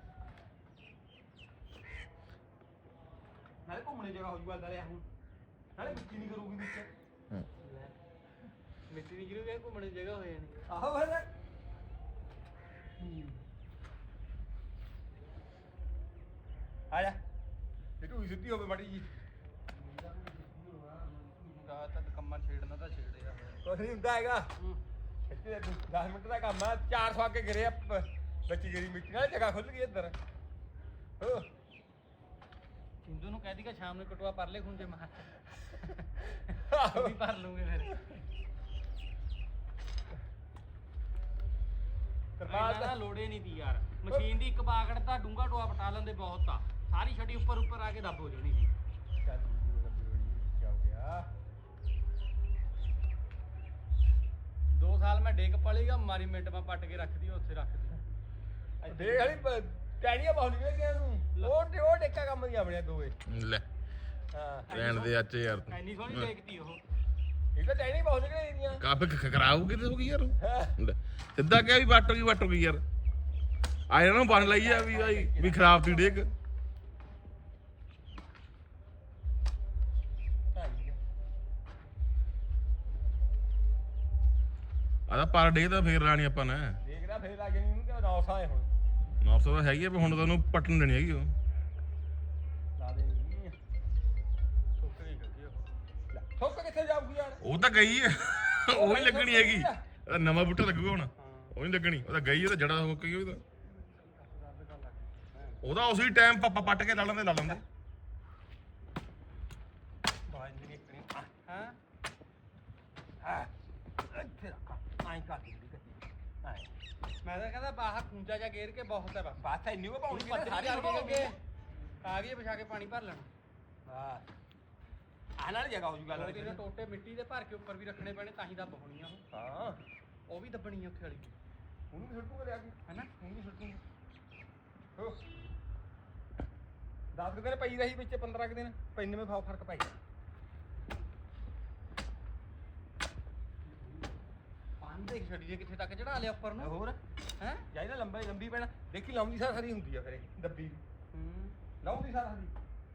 Speaker 2: ਨਾਲੇ ਘੁੰਮਣੇ ਜਗ੍ਹਾ ਹੋ ਜੂਗਾ ਦਰਿਆ ਹੁਣ। ਨਾਲੇ ਮਿੱਟੀ ਨਹੀਂ ਕਰੂਗੀ ਵਿੱਚ।
Speaker 4: ਹਾਂ।
Speaker 1: ਮਿੱਟੀ ਨਹੀਂ ਗਿਰੂਗੀ, ਘੁੰਮਣ ਦੀ ਜਗ੍ਹਾ ਹੋ ਜਾਣੀ।
Speaker 2: ਆਹੋ ਫਿਰ ਆ ਜਾ ਇਹ ਤੂੰ ਸਿੱਧੀ ਹੋਵੇ ਮਾੜੀ ਜੀ।
Speaker 1: ਗਾ ਤਾਂ ਕੰਮਾਂ ਛੇੜਨਾ ਤਾਂ ਛੇੜਿਆ।
Speaker 2: ਕੁਛ ਨਹੀਂ ਹੁੰਦਾ ਹੈਗਾ। ਇੱਥੇ ਦਸ ਮਿੰਟ ਦਾ ਕੰਮ ਆ। ਚਾਰ ਸੌ ਅੱਗੇ ਗਿਰੇ ਆ ਪ- ਬੱਚੀ ਗਰੀ ਮਿੱਟੀ ਨਾਲ ਜਗ੍ਹਾ ਖੁੱਲ ਗਈ ਇੱਧਰ। ਹੋ
Speaker 1: ਸਿੰਧੂ ਨੂੰ ਕਹਿ ਦੀ ਕਿ ਸ਼ਾਮ ਨੂੰ ਕਟਵਾ ਪਰ ਲੈ ਖੁੰਝੇ ਮਾਰ
Speaker 2: ਆਹੋ।
Speaker 1: ਵੀ ਭਰ ਲੂਗੇ ਫਿਰ।
Speaker 2: ਤਰਪਾਲ
Speaker 1: ਇਹਨਾਂ ਦਾ
Speaker 2: ਤਾਂ
Speaker 1: ਲੋੜੇ ਨਹੀਂ ਤੀ ਯਾਰ। ਮਸ਼ੀਨ ਦੀ ਇੱਕ ਬਾਗੜ ਤਾਂ ਡੂੰਗਾ ਟੋਆ ਪਟਾ ਲੈਂਦੇ ਬਹੁਤ ਆ। ਸਾਰੀ ਛੜੀ ਉੱਪਰ ਉੱਪਰ ਆ ਕੇ ਦੱਬ ਹੋ ਜਾਣੀ ਸੀ।
Speaker 2: ਚੱਲ ਕੀ ਹੋ ਗਿਆ।
Speaker 1: ਦੋ ਸਾਲ ਮੈਂ ਡੇਕ ਪਲੀਗਾ ਮਾਰੀ ਮਿੰਟ ਮੈਂ ਪੱਟ ਕੇ ਰੱਖਦੀ ਉੱਥੇ ਰੱਖਦੀ।
Speaker 2: ਦੇਖ ਹਲੀ ਟੈਣੀਆਂ ਬਹੁਤ ਨਿਕਲੀਆਂ ਨੂੰ। ਉਹ ਤੇ ਉਹ ਡੇਕਾ ਕੰਮ ਨਹੀਂ ਆਪਣੇ ਦੋਏ।
Speaker 4: ਲੈ
Speaker 2: ਹਾਂ
Speaker 4: ਰਹਿਣ ਦੇ ਅੱਜ ਯਾਰ ਤੂੰ
Speaker 1: ਐਨੀ ਸੋਹਣੀ ਦੇਖਦੀ ਉਹ।
Speaker 2: ਇਹ ਤਾਂ ਟੈਣੀ ਬਹੁਤ ਨਿਕਲੀਆਂ ਦੀਆਂ।
Speaker 4: ਕਾਫੀ ਖਰਾਬ ਕਿਤੇ ਹੋ ਗਈ ਯਾਰ ਉਹ। ਲੈ, ਸਿੱਧਾ ਕਿਹਾ ਵੀ ਵੱਟ ਹੋ ਗਈ ਵੱਟ ਹੋ ਗਈ ਯਾਰ। ਆ ਇਹਨਾਂ ਨੂੰ ਬਣ ਲਈ ਆ ਵੀ ਭਾਈ ਵੀ ਖਰਾਬ ਤੀ ਡੇਕ। ਆਦਾ ਪਰ ਡੇ ਤਾਂ ਫੇਰ ਲਾਣੀ ਆਪਾਂ ਨੇ
Speaker 2: ਦੇਖਦਾ ਫੇਰ ਲੱਗ ਜਾਣੀ ਨੂੰ ਕਿ ਨੌ ਸਾਏ ਹੁਣ।
Speaker 4: ਨੌ ਸੌ ਤਾਂ ਹੈਗੀ ਆ ਪਰ ਹੁਣ ਤਾਂ ਉਹਨੂੰ ਪੱਟਣ ਦੇਣੀ ਹੈਗੀ ਉਹ।
Speaker 2: ਲਾ ਦੇ ਨਹੀਂ ਸੁੱਕ ਗਈ ਗੱਡੀ ਉਹ। ਲੈ ਸੁੱਕ ਕਿੱਥੇ ਜਾਊਗੀ ਯਾਰ।
Speaker 4: ਉਹ ਤਾਂ ਗਈ ਹੈ ਉਹ ਹੀ ਲੱਗਣੀ ਹੈਗੀ। ਇਹਦਾ ਨਵਾਂ ਬੂਟਾ ਲੱਗੂਗਾ ਹੁਣ ਉਹ ਨਹੀਂ ਲੱਗਣੀ। ਉਹ ਤਾਂ ਗਈ, ਉਹ ਤਾਂ ਜੜਾ ਹੋ ਗਈ ਉਹਦਾ। ਉਹਦਾ ਉਸੇ ਟਾਈਮ ਪਾਪਾ ਪੱਟ ਕੇ ਲਾ ਲੈਂਦੇ ਲਾ ਲੈਂਦੇ।
Speaker 2: ਬਾਜ ਨਹੀਂ ਨਿਕਣੀ।
Speaker 1: ਹਾਂ
Speaker 2: ਹਾਂ ਇੱਥੇ ਰੱਖ ਆਈ ਕਰ ਦੀ ਗੱਡੀ ਆਈ।
Speaker 1: ਮੈਂ ਤਾਂ ਕਹਿੰਦਾ ਬਾਹਰ ਖੁੰਝਾ ਜਾ ਗੇਰ ਕੇ ਬਹੁਤ ਹੈ ਬਸ।
Speaker 2: ਬਾਤ ਇੰਨੀ ਉਹ ਪਾਉਣੀ ਕਿ
Speaker 1: ਪੱਧਰੀ
Speaker 2: ਸਾਰੀ
Speaker 1: ਕਰਕੇ
Speaker 2: ਹੋ ਗਈ।
Speaker 1: ਆ ਗਈ ਵਿਛਾ ਕੇ ਪਾਣੀ ਭਰ ਲੈਣਾ।
Speaker 2: ਹਾਂ ਆ ਨਾਲ ਜਗ੍ਹਾ ਹੋ ਜੂਗਾ
Speaker 1: ਦੋ
Speaker 2: ਨਾਲ
Speaker 1: ਤਿੰਨ ਟੋਟੇ ਮਿੱਟੀ ਦੇ ਭਰ ਕੇ ਉੱਪਰ ਵੀ ਰੱਖਣੇ ਪੈਣੇ ਤਾਂ ਹੀ ਦੱਬ ਹੋਣੀ ਆ ਉਹ।
Speaker 2: ਹਾਂ
Speaker 1: ਉਹ ਵੀ ਦੱਬਣੀ ਆ ਉੱਥੇ ਵਾਲੀ
Speaker 2: ਉਹਨੂੰ ਵੀ ਛੱਡੂ ਕਰਿਆ ਕੀ
Speaker 1: ਹੈਨਾ।
Speaker 2: ਉਹਨੂੰ ਵੀ ਛੱਡੂ ਹੋ ਦਸ ਕੁ ਦਿਨ ਪਈ ਰਹੀ ਵਿੱਚ ਪੰਦਰਾਂ ਕੁ ਦਿਨ ਪੈਨੇ ਵਿੱਚ ਫਾ ਫਰਕ ਪੈ ਗਿਆ।
Speaker 1: ਪਾਣੀ ਦੇਖ ਛੱਡੀ ਜੇ ਕਿੱਥੇ ਤੱਕ ਚੜਾ ਲਿਆ ਉੱਪਰ ਨੂੰ।
Speaker 2: ਹੋਰ
Speaker 1: ਹੈ
Speaker 2: ਜਾਈ ਨਾ ਲੰਬਾ ਲੰਬੀ ਪੈਣਾ। ਦੇਖੀ ਲਾਉਂਦੀ ਸਾਰ ਸਾਰੀ ਹੁੰਦੀ ਆ ਫਿਰ ਇਹ ਦੱਬੀ ਵੀ।
Speaker 1: ਹੂੰ
Speaker 2: ਲਾਉਂਦੀ ਸਾਰ ਸਾਰੀ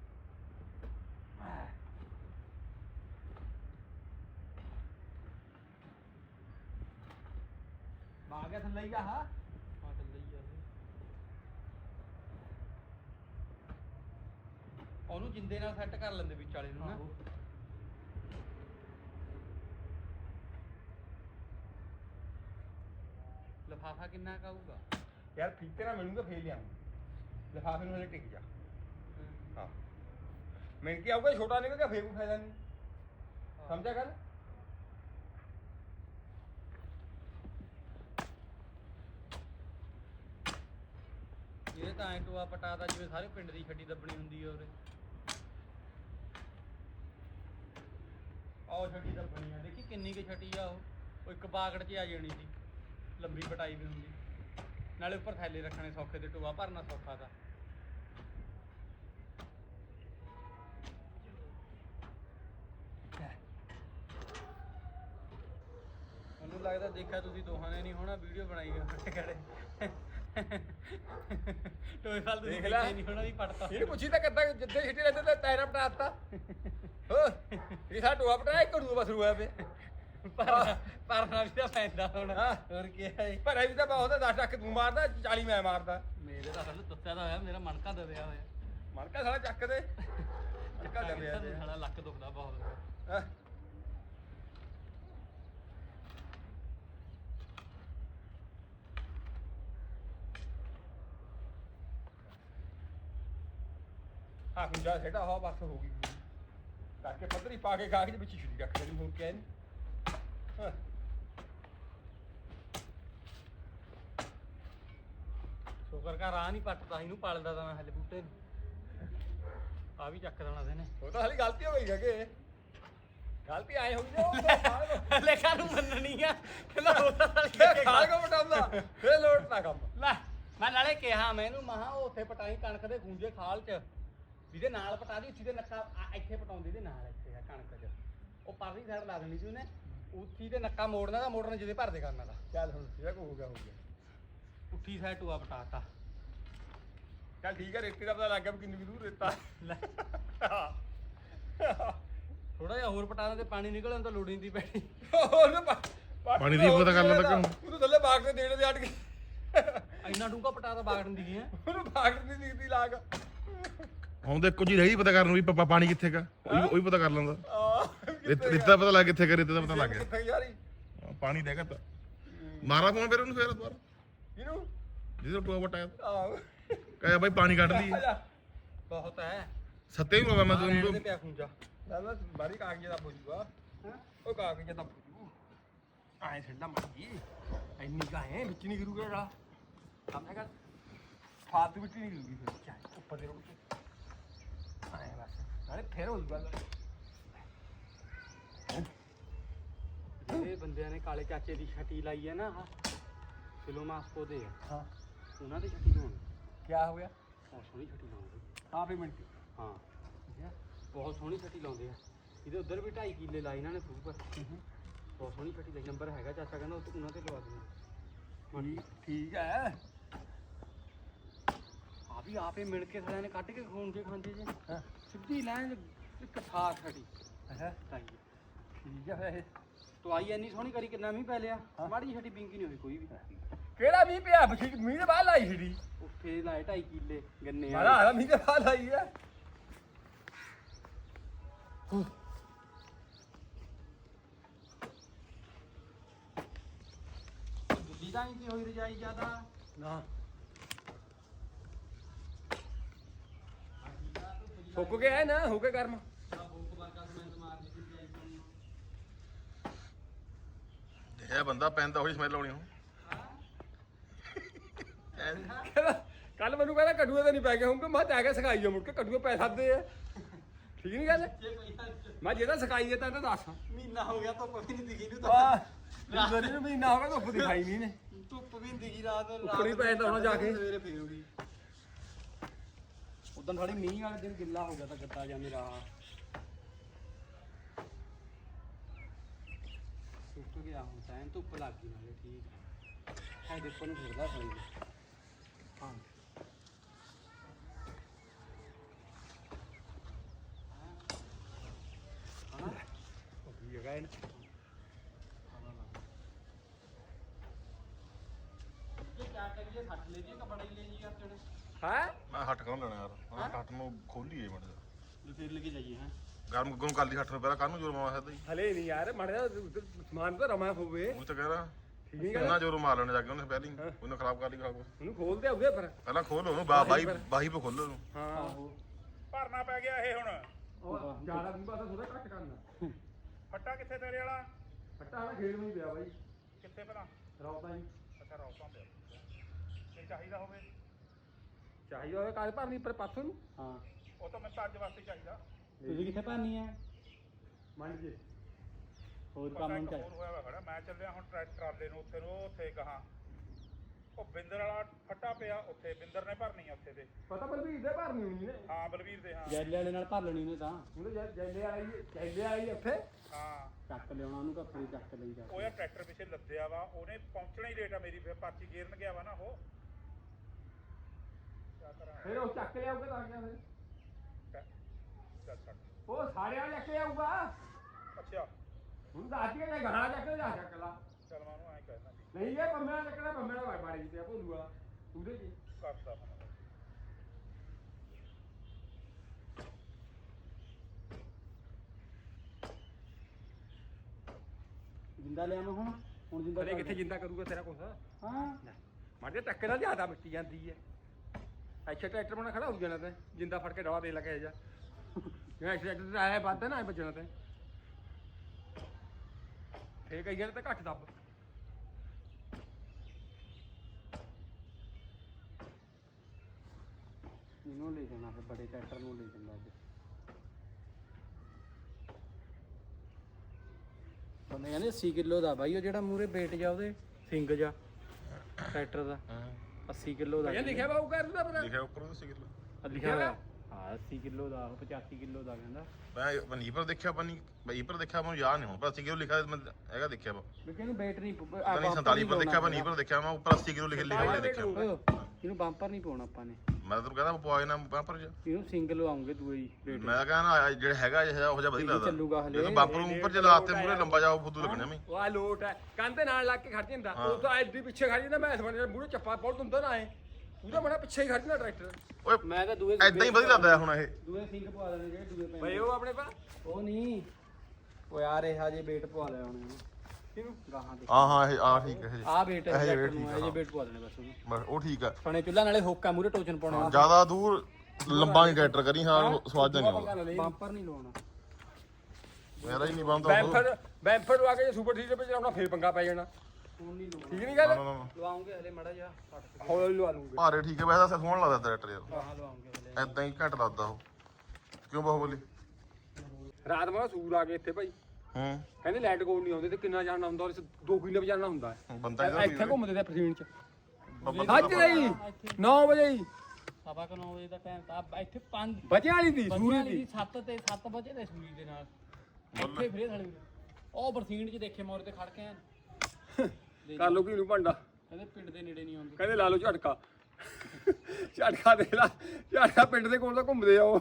Speaker 2: ਆ ਗਿਆ ਥੱਲੇ ਹੀ ਆ ਹਾਂ।
Speaker 1: ਆ ਥੱਲੇ ਹੀ ਆ ਇਹ। ਉਹਨੂੰ ਜਿੰਦੇ ਨਾਲ ਸੈੱਟ ਕਰ ਲੈਂਦੇ ਵਿੱਚ ਵਾਲੇ ਨੂੰ ਨਾ। ਲਫਾਫਾ ਕਿੰਨਾ ਕਾਊਗਾ?
Speaker 2: ਯਾਰ ਫੀਤੇ ਨਾਲ ਮਿਲੂਗਾ ਫੇਰ ਲਿਆਉਂ। ਲਿਫਾਫੇ ਨੂੰ ਹਲੇ ਟਿਕ ਜਾ। ਹਾਂ ਮਿਲ ਕੇ ਆਊਗਾ ਛੋਟਾ ਨਿਕਲ ਗਿਆ ਫੇਰ ਕੋਈ ਫਾਇਦਾ ਨਹੀਂ। ਸਮਝਿਆ ਗੱਲ।
Speaker 1: ਇਹ ਤਾਂ ਐ ਟੋਆ ਪਟਾਤਾ ਜਿਵੇਂ ਸਾਰੇ ਪਿੰਡ ਦੀ ਛੱਡੀ ਦੱਬਣੀ ਹੁੰਦੀ ਆ ਉਹਦੇ ਆਹ ਛੱਡੀ ਦੱਬਣੀ ਆ ਦੇਖੀ ਕਿੰਨੀ ਕੁ ਛੱਡੀ ਆ ਉਹ ਉਹ ਇੱਕ ਬਾਗੜ 'ਚ ਆ ਜਾਣੀ ਸੀ ਲੰਬੀ ਪਟਾਈ ਵੀ ਹੁੰਦੀ ਨਾਲੇ ਉੱਪਰ ਥੈਲੇ ਰੱਖਣੇ ਸੌਖੇ ਤੇ ਟੋਆ ਭਰਨਾ ਸੌਖਾ ਤਾਂ ਮੈਨੂੰ ਲੱਗਦਾ ਦੇਖਿਆ ਤੁਸੀਂ ਦੋਹਾਂ ਨੇ ਨਹੀਂ ਹੋਣਾ ਵੀਡੀਓ ਬਣਾਈ ਆ ਕਿਹੜੇ ਟੋਏ ਫਲ ਤੁਸੀਂ
Speaker 2: ਦੇਖ ਲੈ।
Speaker 1: ਦੇਖਿਆ ਨਹੀਂ ਹੋਣਾ ਵੀ ਪੜਤਾ
Speaker 2: ਇਹਨੂੰ ਪੁੱਛੀ ਤਾਂ ਕਰਦਾ ਜਿੱਦੇ ਛਿੱਟੀ ਰਹਿੰਦੇ ਤੇ ਟਾਇਰ ਪਟਾਤਾ ਹੋ ਇਹ ਸਾ ਟੋਆ ਪਟਾਇਆ ਇੱਕ ਨੂੰ ਬਸ ਰੂਆ ਪੇ
Speaker 1: ਪਰ ਪਰਨਾ ਵੀ ਤਾਂ ਪੈਂਦਾ ਹੁਣ
Speaker 2: ਹਾਂ।
Speaker 1: ਹੋਰ ਕੀ ਹੈ
Speaker 2: ਪਰ ਇਹ ਵੀ ਤਾਂ ਬਹੁਤ ਦਸ ਲੱਖ ਤੂੰ ਮਾਰਦਾ ਚਾਲੀ ਮੈਂ ਮਾਰਦਾ
Speaker 1: ਮੇਰੇ ਤਾਂ ਸਾਨੂੰ ਦੱਸਿਆ ਤਾਂ ਹੋਇਆ ਮੇਰਾ ਮਨ ਕਾ ਦਬਿਆ ਹੋਇਆ
Speaker 2: ਮਣਕਾ ਸਾਲਾ ਚੱਕ ਦੇ ਮਣਕਾ ਦਬਿਆ ਤੇ
Speaker 1: ਸਾਡਾ ਲੱਕ ਦੁਖਦਾ ਬਹੁਤ
Speaker 2: ਹਾਂ। ਆ ਖੁੰਜਾ ਸੇਟਾ ਹੋ ਬਸ ਹੋ ਗਈ ਕਰਕੇ ਪੱਧਰੀ ਪਾ ਕੇ ਕਾਗਜ਼ ਵਿੱਚ ਛੁੱਟੀ ਰੱਖ ਦੇਣੀ ਹੋਰ ਕਿਆ ਨਹੀਂ ਹਾਂ
Speaker 1: ਸ਼ੁਕਰ ਕਰ ਰਾਹ ਨਹੀਂ ਪੱਟਦਾ ਇਹਨੂੰ ਪਾਲਦਾ ਤਾਂ ਮੈਂ ਹਲੇ ਬੂਟੇ ਨੂੰ ਆ ਵੀ ਚੱਕ ਦੇਣਾ ਇਹਨੇ
Speaker 2: ਉਹ ਤਾਂ ਹਾਲੀ ਗਲਤੀ ਹੋ ਗਈ ਹੈਗੇ ਗਲਤੀ ਆਏ ਹੋਈ ਜੋ
Speaker 1: ਹਲੇ ਕਾਹਨੂੰ ਮੰਨਣੀ ਆ ਕਹਿੰਦਾ ਉਹਦਾ
Speaker 2: ਫੇਰ ਖਾਲ ਕੋ ਪਟਾਉਂਦਾ ਫੇਰ ਲੋਟ ਨਾ ਕੰਮ
Speaker 1: ਲੈ ਮੈਂ ਨਾਲੇ ਕਿਹਾ ਮੈਂ ਇਹਨੂੰ ਮਹਾ ਉਹ ਉੱਥੇ ਪਟਾਈ ਕਣਕ ਦੇ ਖੂੰਜੇ ਖਾਲ ਚ ਜਿਹਦੇ ਨਾਲ ਪਟਾ ਦੀ ਉੱਥੇ ਦੇ ਨੱਕਾ ਆ ਇੱਥੇ ਪਟਾਉਂਦੀ ਦੇ ਨਾਲ ਇੱਥੇ ਆ ਕਣਕ ਚ ਉਹ ਪਰਲੀ ਸਾਈਡ ਲਾ ਦੇਣੀ ਸੀ ਉਹਨੇ ਉੱਥੀ ਤੇ ਨੱਕਾ ਮੋੜਨਾ ਦਾ ਮੋੜਨਾ ਜਿਹਦੇ ਭਰਦੇ ਕਰਨਾ ਦਾ
Speaker 2: ਚੱਲ ਹੁਣ ਜਿਹੜਾ ਕੋ ਹੋ ਗਿਆ ਹੋ ਗਿਆ
Speaker 1: ਉੱਠੀ ਸਾਈਡ ਟੂਆ ਪਟਾਤਾ
Speaker 2: ਚੱਲ ਠੀਕ ਹੈ ਰੇਤੇ ਦਾ ਪਤਾ ਲੱਗ ਗਿਆ ਵੀ ਕਿੰਨੀ ਕੁ ਦੂਰ ਰੇਤਾ
Speaker 1: ਲੈ ਥੋੜਾ ਜਿਹਾ ਹੋਰ ਪਟਾਣਾ ਤੇ ਪਾਣੀ ਨਿਕਲਣ ਤਾਂ ਲੋੜ ਨਹੀਂ ਦੀ ਪੈਣੀ
Speaker 2: ਉਹਨੂੰ ਪਾ- ਪਾ-
Speaker 4: ਪਾਣੀ ਦੀ ਪਤਾ ਕਰ ਲੈਂਦਾ ਕਿਉਂ?
Speaker 2: ਉਹਨੂੰ ਥੱਲੇ ਬਾਗ ਦੇ ਦੇਣੇ ਦੇ ਅੜ ਕੇ
Speaker 1: ਇੰਨਾ ਡੂੰਘਾ ਪਟਾਤਾ ਬਾਗੜਨ ਦੀ ਹੈ
Speaker 2: ਉਹਨੂੰ ਬਾਗ ਦੀ ਦਿਖਦੀ ਲਾਗ
Speaker 4: ਆਉਂਦੇ ਇੱਕੋ ਜੀ ਰਹੀ ਪਤਾ ਕਰਨ ਵੀ ਪ- ਪਾਣੀ ਕਿੱਥੇ ਕਾ ਉਹ ਵੀ- ਉਹ ਵੀ ਪਤਾ ਕਰ ਲੈਂਦਾ
Speaker 2: ਆ
Speaker 4: ਰੇਤ- ਰੇਤਾ ਦਾ ਪਤਾ ਲੱਗ ਕਿੱਥੇ ਕਾ ਰੇਤੇ ਦਾ ਪਤਾ ਲੱਗ ਗਿਆ
Speaker 2: ਕਿੱਥੇ ਯਾਰੀ
Speaker 4: ਹਾਂ, ਪਾਣੀ ਦੇਗਾ ਤਾਂ ਮਾਰਾ ਫੋਨ ਫਿਰ ਉਹਨੂੰ ਫੇਰ ਦੁਬਾਰਾ
Speaker 2: ਇਹਨੂੰ
Speaker 4: ਜਿਹਦੇ ਟੋਆ ਵਟਾਇਆ
Speaker 2: ਆ
Speaker 4: ਕਹਿਆ ਬਾਈ ਪਾਣੀ ਕੱਢ ਲਈ
Speaker 1: ਬਹੁਤ ਹੈ
Speaker 4: ਸੱਤੇ ਵੀ ਹੋਵਾ ਮੈਂ
Speaker 1: ਰਹਿਣ ਦੇ
Speaker 4: ਤੁਹਾਨੂੰ
Speaker 1: ਪਿਆ ਖੂੰਜਾ
Speaker 2: ਨਾ ਨਾ ਬਾਰੀ ਕਾਗਜ਼ ਦਾ ਬੋਲੂਗਾ ਉਹ ਕਾਗਜ਼ ਦਾ ਬੋਲੂ ਆਏ ਠੰਡਾ ਮੱਗੀ ਇੰਨੀ ਕਾ ਹੈ ਵਿੱਚ ਨਹੀਂ ਗਿਰੂਗਾ ਰਾ ਕੰਮ ਹੈਗਾ ਫਾਲਤੂ ਵਿੱਚ ਨਹੀਂ ਗਿਰੂਗੀ ਫਿਰ ਚੱਲ ਉੱਪਰ ਦੇ ਰੋਕ ਕੇ ਆਏ ਬਸ ਨਾਲੇ ਫੇਰ ਹੋ ਜੂਗਾ
Speaker 1: ਜਿਹੜੇ ਬੰਦਿਆਂ ਨੇ ਕਾਲੇ ਚਾਚੇ ਦੀ ਛਟੀ ਲਾਈ ਹੈ ਨਾ ਆਹ ਫਿਲੋ ਮਾਸਕੋ ਦੇ ਆ
Speaker 2: ਹਾਂ
Speaker 1: ਉਹਨਾਂ ਦੀ ਛਟੀ ਲਾਉਣੀ
Speaker 2: ਕੀ ਹੋ ਗਿਆ
Speaker 1: ਬਹੁਤ ਸੋਹਣੀ ਛਟੀ ਲਾਉਂਦੇ
Speaker 2: ਹਾਂ ਪੇਮੈਂਟ
Speaker 1: ਹਾਂ ਬਹੁਤ ਸੋਹਣੀ ਛਟੀ ਲਾਉਂਦੇ ਆ ਇਹਦੇ ਉੱਧਰ ਵੀ ਢਾਈ ਕਿੱਲੇ ਲਾਏ ਇਹਨਾਂ ਨੇ ਖੂਹ ਪਰ ਬਹੁਤ ਸੋਹਣੀ ਛਟੀ ਲਾਈ ਨੰਬਰ ਹੈਗਾ ਚਾਚਾ ਕਹਿੰਦਾ ਉਹ ਉਹਨਾਂ ਤੇ ਲਵਾ ਦੇਣਾ
Speaker 2: ਠੀਕ ਹੈ
Speaker 1: ਆ ਵੀ ਆਪੇ ਮਿਲ ਕੇ ਸਾਰਿਆਂ ਨੇ ਕੱਢ ਕੇ ਖੂਨ ਕੇ ਖਾਂਦੇ ਜੇ
Speaker 2: ਹਾਂ
Speaker 1: ਸਿੱਧੀ ਲਾਈਨ ਇੱਕ ਸਾਥ ਛਟੀ
Speaker 2: ਅੱਛਾ
Speaker 1: ਲਾਈ
Speaker 2: ਠੀਕ ਹੈ ਫਿਰ
Speaker 1: ਟਵਾਈ ਇੰਨੀ ਸੋਹਣੀ ਕਰੀ ਕਿੰਨਾ ਮੀਂਹ ਪੈ ਲਿਆ ਮਾੜੀ ਛਟੀ ਬਿੰਗੀ ਨਹੀਂ ਹੋਈ ਕੋਈ ਵੀ
Speaker 2: ਕਿਹੜਾ ਮੀਂਹ ਪਿਆ ਬਖੀ ਮੀਂਹ ਦੇ ਬਾਅਦ ਲਾਈ ਛੜੀ
Speaker 1: ਉੱਥੇ ਲਾਏ ਢਾਈ ਕਿੱਲੇ ਗੰਨੇ
Speaker 2: ਮਾਰਾ ਹਾਲਾ ਮੀਂਹ ਦੇ ਬਾਅਦ ਲਾਈ ਹੈ
Speaker 1: ਦਿੱਲੀ ਤਾਂ ਨਹੀਂ ਹੋਈ ਰਜਾਈ ਜ਼ਿਆਦਾ
Speaker 2: ਨਾ ਸੁੱਕ ਗਿਆ ਨਾ ਹੋ ਗਿਆ ਗਰਮ
Speaker 4: ਇਹ ਬੰਦਾ ਪੈਂਦਾ ਹੋਈ ਸਮੈਲ ਆਉਣੀ ਹੁਣ
Speaker 2: ਕੱਲ ਮੈਨੂੰ ਕਹਿੰਦਾ ਕਟੂਏ ਤੇ ਨਹੀਂ ਪੈ ਗਏ ਹੋਣਗੇ ਮੈਂ ਤਾਂ ਆ ਕੇ ਸਿਖਾਈ ਜਾ ਮੁੜ ਕੇ ਕਟੂਏ ਪੈ ਸਕਦੇ ਆ ਠੀਕ ਨਹੀਂ ਗੱਲ ਮੈਂ ਜਿਹਦਾ ਸਿਖਾਈ ਹੈ ਤਾਂ ਤਾਂ ਦੱਸ
Speaker 1: ਮਹੀਨਾ ਹੋ ਗਿਆ ਧੁੱਪ ਵੀ ਨਹੀਂ ਦਿਖੀ ਨੂੰ
Speaker 2: ਵਾਹ ਮੇਰੀ ਨੂੰ ਮਹੀਨਾ ਹੋ ਗਿਆ ਧੁੱਪ ਦਿਖਾਈ ਨਹੀਂ ਨੇ
Speaker 1: ਧੁੱਪ ਵੀ ਨਹੀਂ ਦਿਖੀ ਰਾਤ
Speaker 2: ਉੱਪਰ ਹੀ ਪੈ ਜਾਂਦਾ ਹੁਣ ਜਾ ਕੇ।
Speaker 1: ਸਵੇਰੇ ਫੇਰ ਹੋ ਗਈ ਉਦੋਂ ਥੋੜੀ ਮੀਂਹ ਵਾਲੇ ਦਿਨ ਗਿੱਲਾ ਹੋ ਗਿਆ ਤਾਂ ਗੱਤਾ ਜਾਂ ਮੇਰਾ ਸੁੱਕ ਗਿਆ ਹੁਣ ਤਾਂ ਐਨ ਧੁੱਪ ਲੱਗ ਗਈ ਨਾਲੇ ਠੀਕ ਹੈ ਦੇਖੋ ਨੂੰ ਫਿਰਦਾ ਸਹੀ ਹਾਂ ਹਾਂ
Speaker 2: ਕੀ ਜਗ੍ਹਾ ਹੈ
Speaker 1: ਇਹ ਕਿਆ ਕਰੀਏ ਹੱਟ ਲੈ ਜੀ ਕਪੜਾ ਹੀ ਲੈ ਜੀ ਯਾਰ ਜਿਹੜੇ
Speaker 2: ਹੈ
Speaker 4: ਮੈਂ ਹੱਟ ਕੌਣ ਲੈਣਾ ਯਾਰ ਹਾਂ ਹੱਟ ਨੂੰ ਖੋਲੀਏ ਮੜ
Speaker 1: ਜੇ ਫੇਰ ਲੈ ਕੇ ਜਾਈਏ ਹਾਂ
Speaker 4: ਗਰਮ ਗਰਮ ਕਰ ਲਈ ਹੱਟ ਨੂੰ ਪਹਿਲਾਂ ਕਾਹਨੂੰ ਜੋਰ ਮਾਰ ਸਕਦਾ ਜੀ
Speaker 2: ਹਲੇ ਨਹੀਂ ਯਾਰ ਮੜਿਆ ਸਮਾਨ ਤਾਂ ਰਮਾ ਹੋਵੇ
Speaker 4: ਉਹ ਤਾਂ ਕਹਿ ਰਹਾ
Speaker 2: ਠੀਕ ਨਹੀਂ ਗੱਲ
Speaker 4: ਉਹਨਾਂ ਜੋਰ ਮਾਰ ਲੈਣੇ ਜਾ ਕੇ ਉਹਨੇ ਪਹਿਲਾਂ ਹੀ ਉਹਨੇ ਖਰਾਬ ਕਰ ਲਈ ਖਰਾਬ
Speaker 2: ਉਹਨੂੰ ਖੋਲ ਦੇ ਆਉਗੇ ਫਿਰ
Speaker 4: ਪਹਿਲਾਂ ਖੋਲ ਉਹਨੂੰ ਬਾ ਬਾਈ ਬਾਹੀ ਪੇ ਖੋਲੋ ਉਹਨੂੰ
Speaker 2: ਹਾਂ
Speaker 5: ਭਰਨਾ ਪੈ ਗਿਆ ਇਹ ਹੁਣ
Speaker 2: ਉਹ ਜਿਆਦਾ ਦੂੰਗਾ ਤਾਂ ਥੋੜਾ ਘੱਟ ਕਰਨਾ
Speaker 5: ਫੱਟਾ ਕਿੱਥੇ ਤੇਰੇ ਵਾਲਾ
Speaker 2: ਫੱਟਾ ਵਾਲਾ ਖੇਡ ਨਹੀਂ ਪਿਆ ਬਾਈ
Speaker 5: ਕਿੱਥੇ ਭਲਾ
Speaker 2: ਰੌਤਾ ਜੀ
Speaker 5: ਅੱਛਾ ਰੌਤਾਂ ਪਿਆ ਜੇ ਚਾਹੀਦਾ ਹੋਵੇ
Speaker 2: ਚਾਹੀਦਾ ਹੋਵੇ ਕਾਲ ਭਰਨੀ ਪਰ ਪਾਸੋਂ ਨੂੰ
Speaker 1: ਹਾਂ
Speaker 5: ਉਹ ਤਾਂ ਮੈਂ ਤਾਂ ਅੱਜ ਵਾਸਤੇ ਚਾਹੀਦਾ
Speaker 1: ਤੁਸੀਂ ਕਿੱਥੇ ਭਰਨੀ ਹੈ ਮੰਡ ਜੀ ਹੋਰ ਕੰਮ
Speaker 5: ਪਤਾ
Speaker 1: ਨੂੰ
Speaker 5: ਇੱਕ
Speaker 1: ਚੱਲ
Speaker 5: ਹੋਰ ਹੋਇਆ ਵਾ ਖੜਾ ਮੈਂ ਚੱਲਿਆ ਹੁਣ ਟਰੈਕਟਰ ਟਰਾਲੇ ਨੂੰ ਉੱਥੇ ਨੂੰ ਉਹ ਉੱਥੇ ਕਹਾਂ ਉਹ ਬਿੰਦਰ ਵਾਲਾ ਫੱਟਾ ਪਿਆ ਉੱਥੇ ਬਿੰਦਰ ਨੇ ਭਰਨੀ ਆ ਉੱਥੇ ਤੇ
Speaker 2: ਪਤਾ ਬਲਵੀਰ ਦੇ ਭਰਨੀ ਹੋਣੀ ਨੇ
Speaker 5: ਹਾਂ ਬਲਵੀਰ ਦੇ ਹਾਂ
Speaker 1: ਜੈਲੇ ਵਾਲੇ ਨਾਲ ਭਰ ਲੈਣੀ ਉਹਨੇ ਤਾਂ
Speaker 2: ਉਹਨੇ ਜੈ- ਜੈਲੇ ਆਈ ਜੈਲੇ ਆਈ ਉੱਥੇ
Speaker 5: ਹਾਂ
Speaker 1: ਚੱਕ ਲਿਆਉਣਾ ਉਹਨੂੰ ਕੱਪੜੇ ਚੱਕ ਲਈ ਜਾ
Speaker 5: ਉਹ ਯਾਰ ਟਰੈਕਟਰ ਪਿੱਛੇ ਲੱਦਿਆ ਵਾ ਉਹਨੇ ਪਹੁੰਚਣਾ ਹੀ ਲੇਟ ਆ ਮੇਰੀ ਫਿਰ ਪਾਰਟੀ ਗੇਰਨ ਗਿਆ ਵਾ ਨਾ ਉਹ ਕਿਆ ਕਰਾਂ
Speaker 2: ਫਿਰ ਉਹ ਚੱਕ ਲਿਆਉਗੇ ਤਾਂ ਗਿਆ ਫਿਰ
Speaker 5: ਚੱਲ ਛੱਡ
Speaker 2: ਉਹ ਸਾਰਿਆਂ ਲੈ ਕੇ ਆਊਗਾ
Speaker 5: ਅੱਛਾ
Speaker 2: ਹੁਣ ਤਾਂ ਅੱਜ ਕੇ ਘਰਾਂ ਚੱਕ ਕੇ ਜਾ ਚੱਕ ਲਾ
Speaker 5: ਚੱਲ ਮੈਂ ਉਹਨੂੰ ਐਂ ਕਹਿਣਾ ਵੀ
Speaker 2: ਨਹੀਂ ਇਹ ਬੰਮਿਆਂ ਚੱਕਣਾ ਬੰਮਿਆਂ ਦਾ ਬਾੜੀ ਜਿੱਤੇ ਭੋਲੂਆ ਉਹਦੇ ਜੀ
Speaker 5: ਕਰਦਾ ਹੁਣ
Speaker 1: ਜਿੰਦਾ ਲਿਆ ਮੈਂ ਹੁਣ ਹੁਣ ਜਿੰਦਾ
Speaker 2: ਅਰੇ ਕਿੱਥੇ ਜਿੰਦਾ ਕਰੂਗਾ ਤੇਰਾ ਕੁਛ
Speaker 1: ਹਾਂ
Speaker 2: ਮਾੜੇ ਟੱਕੇ ਨਾਲ ਜ਼ਿਆਦਾ ਮਿੱਟੀ ਜਾਂਦੀ ਹੈ ਅੱਛਾ ਟਰੈਕਟਰ ਬਣਾ ਖੜਾ ਹੋ ਜਾਣਾ ਤੇ ਜਿੰਦਾ ਫੜ ਕੇ ਡਵਾ ਦੇ ਲੱਗੇ ਜਾ ਜਿਵੇਂ ਟਰੈਕਟਰ ਤੇ ਆਇਆ ਵੱਧ ਨਾ ਐ ਵੱਜਣਾ ਤੇ ਫੇਰ ਕਈਆਂ ਨੇ ਤਾਂ ਘੱਟ ਦੱਬ
Speaker 1: ਇਹਨੂੰ ਲੈ ਜਾਣਾ ਫਿਰ ਬੜੇ ਟਰੈਕਟਰ ਨੂੰ ਲੈ ਜਾਂਦਾ ਅੱਜ ਉਹਨੇ ਕਹਿੰਦੇ ਅੱਸੀ ਕਿਲੋ ਦਾ ਬਾਈ ਉਹ ਜਿਹੜਾ ਮੂਰੇ ਵੇਟ ਜਾ ਉਹਦੇ ਸਿੰਗ ਜਾ ਟਰੈਕਟਰ ਦਾ ਅੱਸੀ ਕਿਲੋ ਦਾ
Speaker 2: ਇਹ ਲਿਖਿਆ ਬਾਊ ਕਰ ਦਾ ਪਤਾ
Speaker 4: ਲਿਖਿਆ ਉੱਪਰ ਉਹਦੇ ਸੀ ਕਿਲੋ
Speaker 1: ਲਿਖਿਆ ਹੋਇਆ ਹਾਂ ਅੱਸੀ ਕਿਲੋ ਦਾ ਉਹ ਪਚਾਸੀ ਕਿਲੋ ਦਾ ਕਹਿੰਦਾ
Speaker 4: ਮੈਂ ਬਨੀ ਪਰ ਦੇਖਿਆ ਬਨੀ ਬਈ ਪਰ ਦੇਖਿਆ ਮੈਨੂੰ ਯਾਦ ਨਹੀਂ ਹੁਣ ਪਰ ਅੱਸੀ ਕਿਲੋ ਲਿਖਿਆ ਮੈਂ ਹੈਗਾ ਦੇਖਿਆ ਵਾ
Speaker 1: ਵੀ ਇਹਨੂੰ ਵੇਟ ਨਹੀਂ
Speaker 4: ਪਤਾ ਨਹੀਂ ਸੰਤਾਲੀ ਪਰ ਦੇਖਿਆ ਬਨੀ ਪਰ ਦੇਖਿਆ ਮੈਂ ਉੱਪਰ ਅੱਸੀ ਕਿਲੋ ਲਿਖਿਆ ਲਿਖਿਆ ਹੋਇਆ ਦੇਖਿਆ
Speaker 1: ਇਹਨੂੰ ਬੰਪਰ ਨਹੀਂ ਪਾਉਣਾ ਆਪਾਂ ਨੇ
Speaker 4: ਮੈਂ ਤੈਨੂੰ ਕਹਿੰਦਾ ਪਵਾ ਨਾ ਬੰਪਰ ਜਾ
Speaker 1: ਇਹਨੂੰ ਸਿੰਗਲ ਲਵਾਉਂਗੇ ਦੂਏ ਹੀ ਵੇਟ
Speaker 4: ਮੈਂ ਕਹਿੰਦਾ ਜਿਹੜਾ ਹੈਗਾ ਜਿਹੜਾ ਉਹ ਜਿਹਾ ਵਧੀਆ ਲੱਗਦਾ
Speaker 1: ਚੱਲੂਗਾ ਹਲੇ
Speaker 4: ਜਦੋਂ ਬੰਪਰ ਉੱਪਰ ਜੇ ਲਾਤੇ ਮੂਰੇ ਲੰਬਾ ਜਾ ਫੁੱਦੂ ਲੱਗਣਾ ਮੈਂ
Speaker 2: ਉਹ ਆ ਲੋਟ ਹੈ ਕੰਨ ਤੇ ਨਾਲ ਲੱਗ ਕੇ ਖੜ ਜਾਂਦਾ ਉਹ ਤਾਂ ਐਡੀ ਪਿੱਛੇ ਖੜ ਜਾਂਦਾ ਮੈਂ ਸਮਝਦਾ ਮੂਰੇ ਚੱਪਾ ਬਹੁਤ ਹੁੰਦਾ ਨਾ ਐ ਉਹਦਾ ਬੜਾ ਪਿੱਛੇ ਹੀ ਖੜ ਜਾਂਦਾ ਟਰੈਕਟਰ
Speaker 4: ਓਏ
Speaker 1: ਮੈਂ ਤਾਂ ਦੂਏ
Speaker 4: ਐਦਾਂ ਹੀ ਵਧੀਆ ਲੱਗਦਾ ਹੁਣ ਇਹ
Speaker 1: ਦੂਏ ਸਿੰਗ ਪਵਾ ਦੇਣੇ ਜਿਹੜੇ ਦੂਏ ਪੈਣ
Speaker 2: ਬਈ ਉਹ ਆਪਣੇ ਪਾ
Speaker 1: ਉਹ ਨਹੀਂ ਉਹ ਯਾਰ ਇਹ ਹਜੇ ਵੇਟ ਪਵਾ ਲਿਆ ਉਹਨੇ
Speaker 2: ਕਿਹਨੂੰ
Speaker 1: ਗਾਹਾਂ ਦੇ
Speaker 4: ਹਾਂ ਹਾਂ ਇਹ ਆ ਠੀਕ ਹੈ
Speaker 1: ਆਹ ਵੇਟ
Speaker 4: ਇਹ
Speaker 1: ਹੈ
Speaker 4: weight
Speaker 1: ਨੂੰ
Speaker 4: ਠੀਕ ਆ,
Speaker 1: ਇਹ
Speaker 4: ਹਾਂ।
Speaker 1: ਵੇਟ ਪਵਾ ਦੇਣੇ ਬਸ ਉਹਨੂੰ
Speaker 4: ਬਸ ਉਹ ਠੀਕ ਆ
Speaker 1: ਫਣੇ ਚੁੱਲਾ ਨਾਲੇ ਹੁੱਕਾ ਮੂਰੇ ਟੋਚਨ ਪਾਉਣਾ
Speaker 4: ਜਿਆਦਾ ਦੂਰ ਲੰਬਾ ਨਹੀਂ ਟਰੈਕਟਰ ਕਰੀ ਹਾਂ ਸਵਾਦ ਨਹੀਂ ਆਉਂਦਾ
Speaker 1: ਬੰਪਰ ਨਹੀਂ ਲਵਾਉਣਾ
Speaker 4: ਮੇਰਾ ਹੀ ਨਹੀਂ ਬੰਦਾ
Speaker 2: ਬੈਂਫਰ ਬੈਂਫਰ ਲਵਾ ਕੇ ਸੁਪਰ ਥ੍ਰੀ ਦੇ ਵਿੱਚ ਆਉਣਾ ਫੇਰ ਪੰਗਾ ਪੈ ਜਾਣਾ
Speaker 1: ਹੁਣ ਨਹੀਂ ਲਵਾਉਣਾ
Speaker 2: ਠੀਕ ਨਹੀਂ ਗੱਲ
Speaker 1: ਲਵਾਉਂਗੇ ਹਲੇ ਮੜਾ ਜਾ ਫਟ ਕੇ
Speaker 2: ਹੌਲੀ ਲਵਾ ਲੂੰਗੇ
Speaker 4: ਭਾਰੇ ਠੀਕ ਹੈ ਵੈਸੇ ਸੋਹਣਾ ਲੱਗਦਾ ਟਰੈਕਟਰ ਯਾਰ
Speaker 1: ਹਾਂ ਲਵਾਉਂਗੇ ਹਲੇ
Speaker 4: ਐਦਾਂ ਹੀ ਘੱਟ ਲੱਗਦਾ ਉਹ ਕਿਉਂ ਬਾਹੂਬਲੀ
Speaker 2: ਰਾਤ ਮੈਂ ਸੂਰ ਆ ਗਏ ਇੱਥੇ ਭਾਈ
Speaker 4: ਹੂੰ
Speaker 2: ਕਹਿੰਦੇ ਲੈਂਡ ਗੋਲ ਨਹੀਂ ਆਉਂਦੇ ਤੇ ਕਿੰਨਾ ਜਾਣਾ ਹੁੰਦਾ ਉਹਦੇ ਦੋ ਕਿਲੋ ਵੀ ਜਾਣਾ ਹੁੰਦਾ ਹੈ
Speaker 4: ਬੰਦਾ
Speaker 2: ਇੱਥੇ ਘੁੰਮਦੇ ਤੇ ਫਸੀਨ ਚ
Speaker 4: ਬੰਦਾ
Speaker 2: ਅੱਜ ਨਹੀਂ ਨੌ ਵਜੇ ਹੀ
Speaker 1: ਸਵਾ ਕੁ ਨੌ ਵਜੇ ਦਾ ਟਾਈਮ ਤਾਂ ਇੱਥੇ ਪੰਜ
Speaker 2: ਬਚਿਆ ਵਾਲੀ ਦੀ
Speaker 1: ਸੂਰੀ
Speaker 2: ਸੂਰੀ ਦੀ
Speaker 1: ਦੀ ਸੱਤ ਤੇ ਸੱਤ ਵਜੇ ਦੇ ਸੂਰੀ ਦੇ ਨਾਲ ਇੱਥੇ ਫਰੇ ਥਲੇ ਉਹ ਬਰਸੀਨ ਚ ਦੇਖੇ ਮੋਰ ਤੇ ਖੜ ਕੇ ਆਂ
Speaker 2: ਕਰ ਲੋ ਕੀ ਨੂੰ ਭਾਂਡਾ
Speaker 1: ਕਹਿੰਦੇ ਪਿੰਡ ਦੇ ਨੇੜੇ ਨਹੀਂ ਆਉਂਦੇ
Speaker 2: ਕਹਿੰਦੇ ਲਾ ਲਓ ਝਟਕਾ ਝਟਕਾ ਦੇ ਲਾ ਝਟਕਾ ਪਿੰਡ ਦੇ ਕੋਲ ਤਾਂ ਘੁੰਮਦੇ ਆ ਉਹ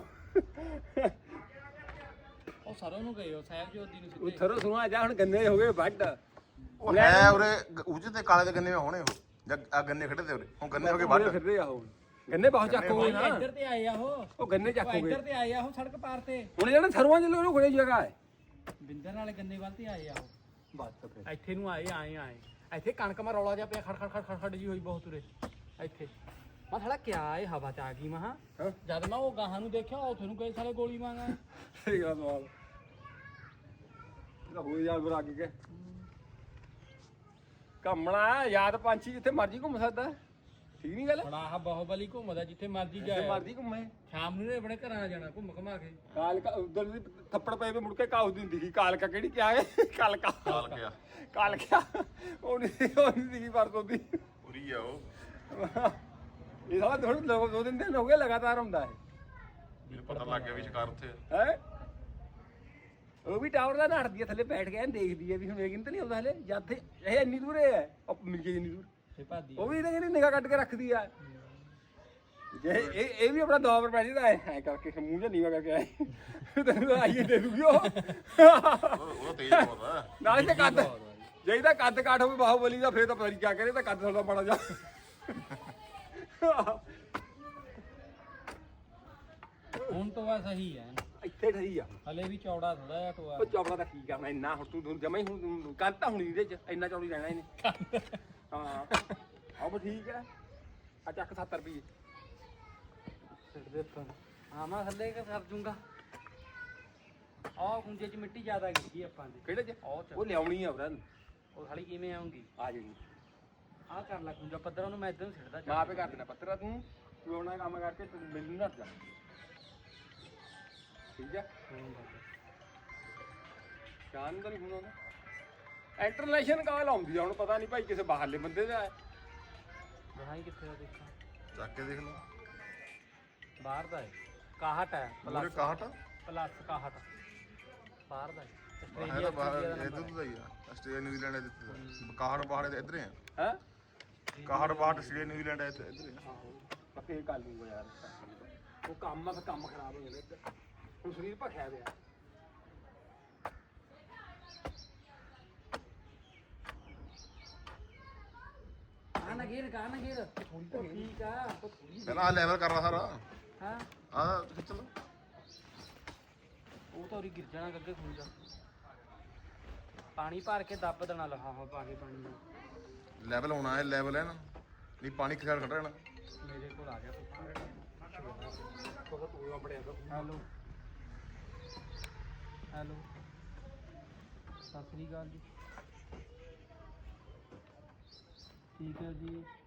Speaker 1: ਉਹ ਸਰੋਂ ਨੂੰ ਗਏ ਉਹ ਸਾਹਿਬ ਜੋਤੀ ਨੂੰ
Speaker 2: ਉਹ
Speaker 1: ਸਿੱਧੇ
Speaker 2: ਸਰੋਂ ਸੁਣਾ ਜਾ ਹੁਣ ਗੰਨੇ ਹੋ ਗਏ ਵੱਢ
Speaker 4: ਉਹ ਹੈ ਉਰੇ ਉੱਚ ਤੇ ਕਾਲੇ ਦੇ ਗੰਨੇ ਹੋਣੇ ਉਹ ਜਾਂ ਆ ਗੰਨੇ ਖੜੇ ਤੇ ਉਰੇ ਹੁਣ ਗੰਨੇ ਹੋ ਗਏ ਵੱਢ
Speaker 2: ਫਿਰਦੇ ਆ ਉਹ ਗੰਨੇ ਬਹੁਤ ਚੱਕੋਗੇ ਨਾ
Speaker 1: ਇੱਧਰ ਤੇ ਆਏ ਆ ਉਹ
Speaker 2: ਉਹ ਗੰਨੇ
Speaker 1: ਉਹ
Speaker 2: ਚੱਕੋਗੇ
Speaker 1: ਇੱਧਰ ਤੇ ਆਏ ਆ ਉਹ ਸੜਕ ਪਾਰ ਤੇ
Speaker 2: ਹੁਣ ਜਿਹੜਾ ਸਰਵਾਂ ਚ ਲੋਕ ਖੜੇ ਜਗ੍ਹਾ ਹੈ
Speaker 1: ਬਿੰਦਰ ਵਾਲੇ ਗੰਨੇ ਵੱਲ ਤੇ ਆਏ ਆ ਉਹ
Speaker 2: ਬਸ ਫਿਰ
Speaker 1: ਇੱਥੇ ਨੂੰ ਆਏ ਆਏ ਆਏ ਇੱਥੇ ਕਣਕ ਮਾ ਰੌਲਾ ਜਿਹਾ ਪਿਆ ਖੜ ਖੜ ਖੜ ਖੜ ਖੜ ਜੀ ਹੋਈ ਬਹੁਤ ਉਰੇ ਇੱਥੇ ਮੈਂ ਥੜਾ ਕਿਆ ਇਹ ਹਵਾ ਚ ਆ ਗਈ ਮਹਾ
Speaker 2: ਹਾਂ
Speaker 1: ਜਦ ਮੈਂ ਉਹ ਗਾਹਾਂ ਨੂੰ ਦੇਖਿਆ ਉੱਥੇ ਨੂੰ ਕਈ ਸਾਲੇ ਗੋਲੀ ਮਾਂਗਾ
Speaker 2: ਸਹੀ ਗੱਲ ਸਵਾਲ ਇਹਦਾ ਹੋ ਯਾਰ ਬਰਾ ਕੇ ਘੁੰਮਣਾ ਯਾਦ ਪੰਛੀ ਜਿੱਥੇ ਮਰਜੀ ਘੁੰਮ ਸਕਦਾ ਠੀਕ ਨਹੀਂ ਗੱਲ
Speaker 1: ਬੜਾ ਆਹ ਬਾਹੂਬਲੀ ਘੁੰਮਦਾ ਜਿੱਥੇ ਮਰਜੀ
Speaker 2: ਜਿੱਥੇ
Speaker 1: ਜਾਏ
Speaker 2: ਮਰਜੀ ਘੁੰਮੇ
Speaker 1: ਸ਼ਾਮ ਨੂੰ ਨੇ ਆਪਣੇ ਘਰਾਂ ਆ ਜਾਣਾ ਘੁੰਮ ਘਮਾ ਕੇ
Speaker 2: ਕਾਲਕਾ ਉਧਰ ਦੀ ਥੱਪੜ ਪਏ ਵੇ ਮੁੜ ਕੇ ਕਾਉ ਦੀ ਹੁੰਦੀ ਸੀ ਕਾਲਕਾ ਕਿਹੜੀ ਕਿਆ ਹੈ ਕਾਲਕਾ
Speaker 4: ਕਾਲ ਗਿਆ
Speaker 2: ਕਾਲਕਾ ਉਹ ਨਹੀਂ ਉਹ ਨਹੀਂ ਸੀਗੀ ਵਰਤੋਂ ਦੀ
Speaker 4: ਉਰੀ ਆ ਉਹ
Speaker 2: ਇਹ ਸਾਲਾ ਥੋੜੇ ਦੋ ਦੋ ਦਿਨ ਦਿਨ ਹੋ ਗਏ ਲਗਾਤਾਰ ਹੁੰਦਾ ਹੈ
Speaker 4: ਮੈਨੂੰ ਪਤਾ ਲੱਗ ਗਿਆ ਵੀ ਸ਼ਿਕਾਰ ਉੱਥੇ
Speaker 2: ਹੈ ਉਹ ਵੀ ਟਾਵਰ ਦਾ ਨੱਠਦੀ ਹੈ ਥੱਲੇ ਬੈਠ ਕੇ ਐਨ ਦੇਖਦੀ ਹੈ ਵੀ ਹੁਣ ਵੇਗਿੰ ਤਾਂ ਨਹੀਂ ਆਉਂਦਾ ਹਲੇ ਜਦ ਤੇ ਇਹ ਇੰਨੀ ਦੂਰ ਹੈ ਉਹ ਮਿਲ ਗਈ ਇੰਨੀ ਦੂਰ
Speaker 1: ਤੇ ਭਾਦੀ
Speaker 2: ਉਹ ਵੀ ਇਹਦੇ ਜਿਹੜੀ ਨਿਗਾਹ ਕੱਢ ਕੇ ਰੱਖਦੀ ਆ ਜੇ ਇਹ ਇਹ ਵੀ ਆਪਣਾ ਦੌਰ ਪੈ ਜਾਂਦਾ ਹੈ ਐ ਕਰਕੇ ਮੂੰਹ ਜਿਹਾ ਨੀਵਾ ਕਰਕੇ ਆਏ ਤੈਨੂੰ ਤਾਂ ਆਈਏ ਦੇ ਦੂਗੀ ਉਹ
Speaker 4: ਉਹ ਉਹ ਤੇਜ਼ ਬਹੁਤ ਆ
Speaker 2: ਨਾਲੇ ਤੇ ਕੱਦ ਜੇ ਇਹਦਾ ਕੱਦ ਕਾਠ ਹੋਵੇ ਬਾਹੂਬਲੀ ਦਾ ਫੇਰ ਤਾਂ ਪਤਾ ਨਹੀਂ ਕਿਆ ਕਰੇ ਤਾਂ ਕੱਦ ਥੋੜਾ ਬੜਾ ਜਾ
Speaker 1: ਹੁਣ ਤੋਂ ਬਸ ਸਹੀ ਹੈ
Speaker 2: ਇੱਥੇ ਠਰੀ ਆ
Speaker 1: ਹਲੇ ਵੀ ਚੌੜਾ ਥੋੜਾ ਜਿਹਾ ਟੋਆ
Speaker 2: ਉਹ ਚੌੜਾ ਤਾਂ ਕੀ ਕਰਨਾ ਇੰਨਾ ਹੁਣ ਤੂੰ ਜਮਾ ਹੀ ਹੁਣ ਕੰਧ ਤਾਂ ਹੁਣੀ ਇਹਦੇ ਚ ਇੰਨਾ ਚੌੜੀ ਰਹਿਣਾ ਇਹਨੇ ਹਾਂ ਆਹ ਬਸ ਠੀਕ ਹੈ ਆ ਚੱਕ ਸੱਤਰ ਰੁਪਏ
Speaker 1: ਸਿੱਟ ਦੇ ਉੱਪਰ ਹਾਂ ਮੈਂ ਥੱਲੇ ਕਿ ਕਰ ਜੂੰਗਾ ਆਹ ਗੁੰਜੇ ਚ ਮਿੱਟੀ ਜ਼ਿਆਦਾ ਗਿੱਗੀ ਆਪਾਂ ਦੇ
Speaker 2: ਕਿਹੜੇ ਚ
Speaker 1: ਉਹ ਚ
Speaker 2: ਉਹ ਲਿਆਉਣੀ ਆ ਉਹਨਾਂ
Speaker 1: ਉਹ ਸਾਲੀ ਕਿਵੇਂ ਆਉਂਗੀ
Speaker 2: ਆ ਜਾਣੀ
Speaker 1: ਆਹ ਕਰ ਲੈ ਗੁੰਜਾ ਪੱਧਰ ਉਹਨੂੰ ਮੈਂ ਇਦਾਂ ਨੂੰ ਸਿੱਟਦਾ
Speaker 2: ਮਾਂ ਆਪੇ ਕਰ ਦੇਣਾ ਪੱਤਰਾ ਤੂੰ ਤੂੰ ਆਪਣਾ ਕੰਮ ਕਰਕੇ ਤੂੰ ਮੈਨੂੰ ਨਾ ਜਾ ਠੀਕ ਹੈ ਸ਼ਾਨ ਦਾ ਨਹੀਂ ਹੁਣ ਉਹਦਾ ਇੰਟਰਨੈਸ਼ਨਲ ਕਾਲ ਆਉਂਦੀ ਆ ਹੁਣ ਪਤਾ ਨਹੀਂ ਭਾਈ ਕਿਸੇ ਬਾਹਰਲੇ ਬੰਦੇ ਦਾ ਹੈ
Speaker 1: ਰਹਾਈ ਕਿੱਥੇ ਦਾ ਦੇਖਾਂ
Speaker 4: ਚੱਕ ਕੇ ਦੇਖ ਲਓ
Speaker 1: ਬਾਹਰ ਦਾ ਹੈ ਇਕਾਹਠ ਹੈ
Speaker 4: ਮੂਰੇ
Speaker 1: ਪਲੱਸ
Speaker 4: ਕਾਹਟ
Speaker 1: ਪਲੱਸ ਇਕਾਹਠ ਬਾਹਰ ਦਾ ਹੈ
Speaker 4: ਹੈ ਤਾਂ ਬਾਹਰ ਇਧਰ ਤੋਂ ਹੀ ਆ ਆਸਟ੍ਰੇਲੀਆ ਨਿਊਜ਼ੀਲੈਂਡ ਇੱਥੇ ਕਾਹਟ ਬਾਹਰ ਦੇ ਇੱਧਰ ਹੀ ਆ
Speaker 2: ਹੈ
Speaker 4: ਕਾਹਟ ਬਾਹਰ ਆਸਟ੍ਰੇਲੀਆ ਨਿਊਜ਼ੀਲੈਂਡ ਇੱਥੇ ਇੱਧਰ ਹੀ ਆ
Speaker 2: ਆਹੋ ਮੈਂ ਫੇਰ ਕਰ ਲੂੰਗਾ ਯਾਰ ਉਹ ਕੰਮ ਆ ਫਿਰ ਕੰਮ ਖਰਾਬ ਹੋ ਜਾਂਦਾ ਇੱਧਰ ਹੁਣ ਸਰੀਰ ਭਖਿਆ ਪਿਆ
Speaker 3: ਕਹਾਂ ਨਾ ਗੇਰ ਕਹਾਂ ਨਾ ਗੇਰ ਠੀਕ ਆ
Speaker 4: ਪਹਿਲਾਂ ਆ ਲੈਵਲ ਕਰ ਲਾ ਸਾਰਾ
Speaker 3: ਹਾਂ
Speaker 4: ਆ ਖਿੱਚ ਲਓ
Speaker 1: ਉਹ ਤਾਂ ਉਰੀ ਗਿਰ ਜਾਣਾ ਗੱਗੇ ਖੂਨ ਦਾ ਪਾਣੀ ਭਰ ਕੇ ਦੱਬ ਦੇਣਾ ਲਫਾਫਾ ਪਾ ਕੇ ਪਾਣੀ ਨੂੰ
Speaker 4: ਲੈਵਲ ਹੋਣਾ ਹੈ ਲੈਵਲ ਹੈ ਨਾ ਨਹੀਂ ਪਾਣੀ ਖਿਆਲ ਕੱਢ ਰਹਿਣਾ
Speaker 1: ਮੇਰੇ ਕੋਲ ਆ ਗਿਆ
Speaker 2: ਕੋਹ ਤੂੰ ਬੜਿਆ
Speaker 1: ਹੈਲੋ ਹੈਲੋ ਸਤਿ ਸ੍ਰੀ ਅਕਾਲ ਜੀ ਠੀਕ ਹੈ ਜੀ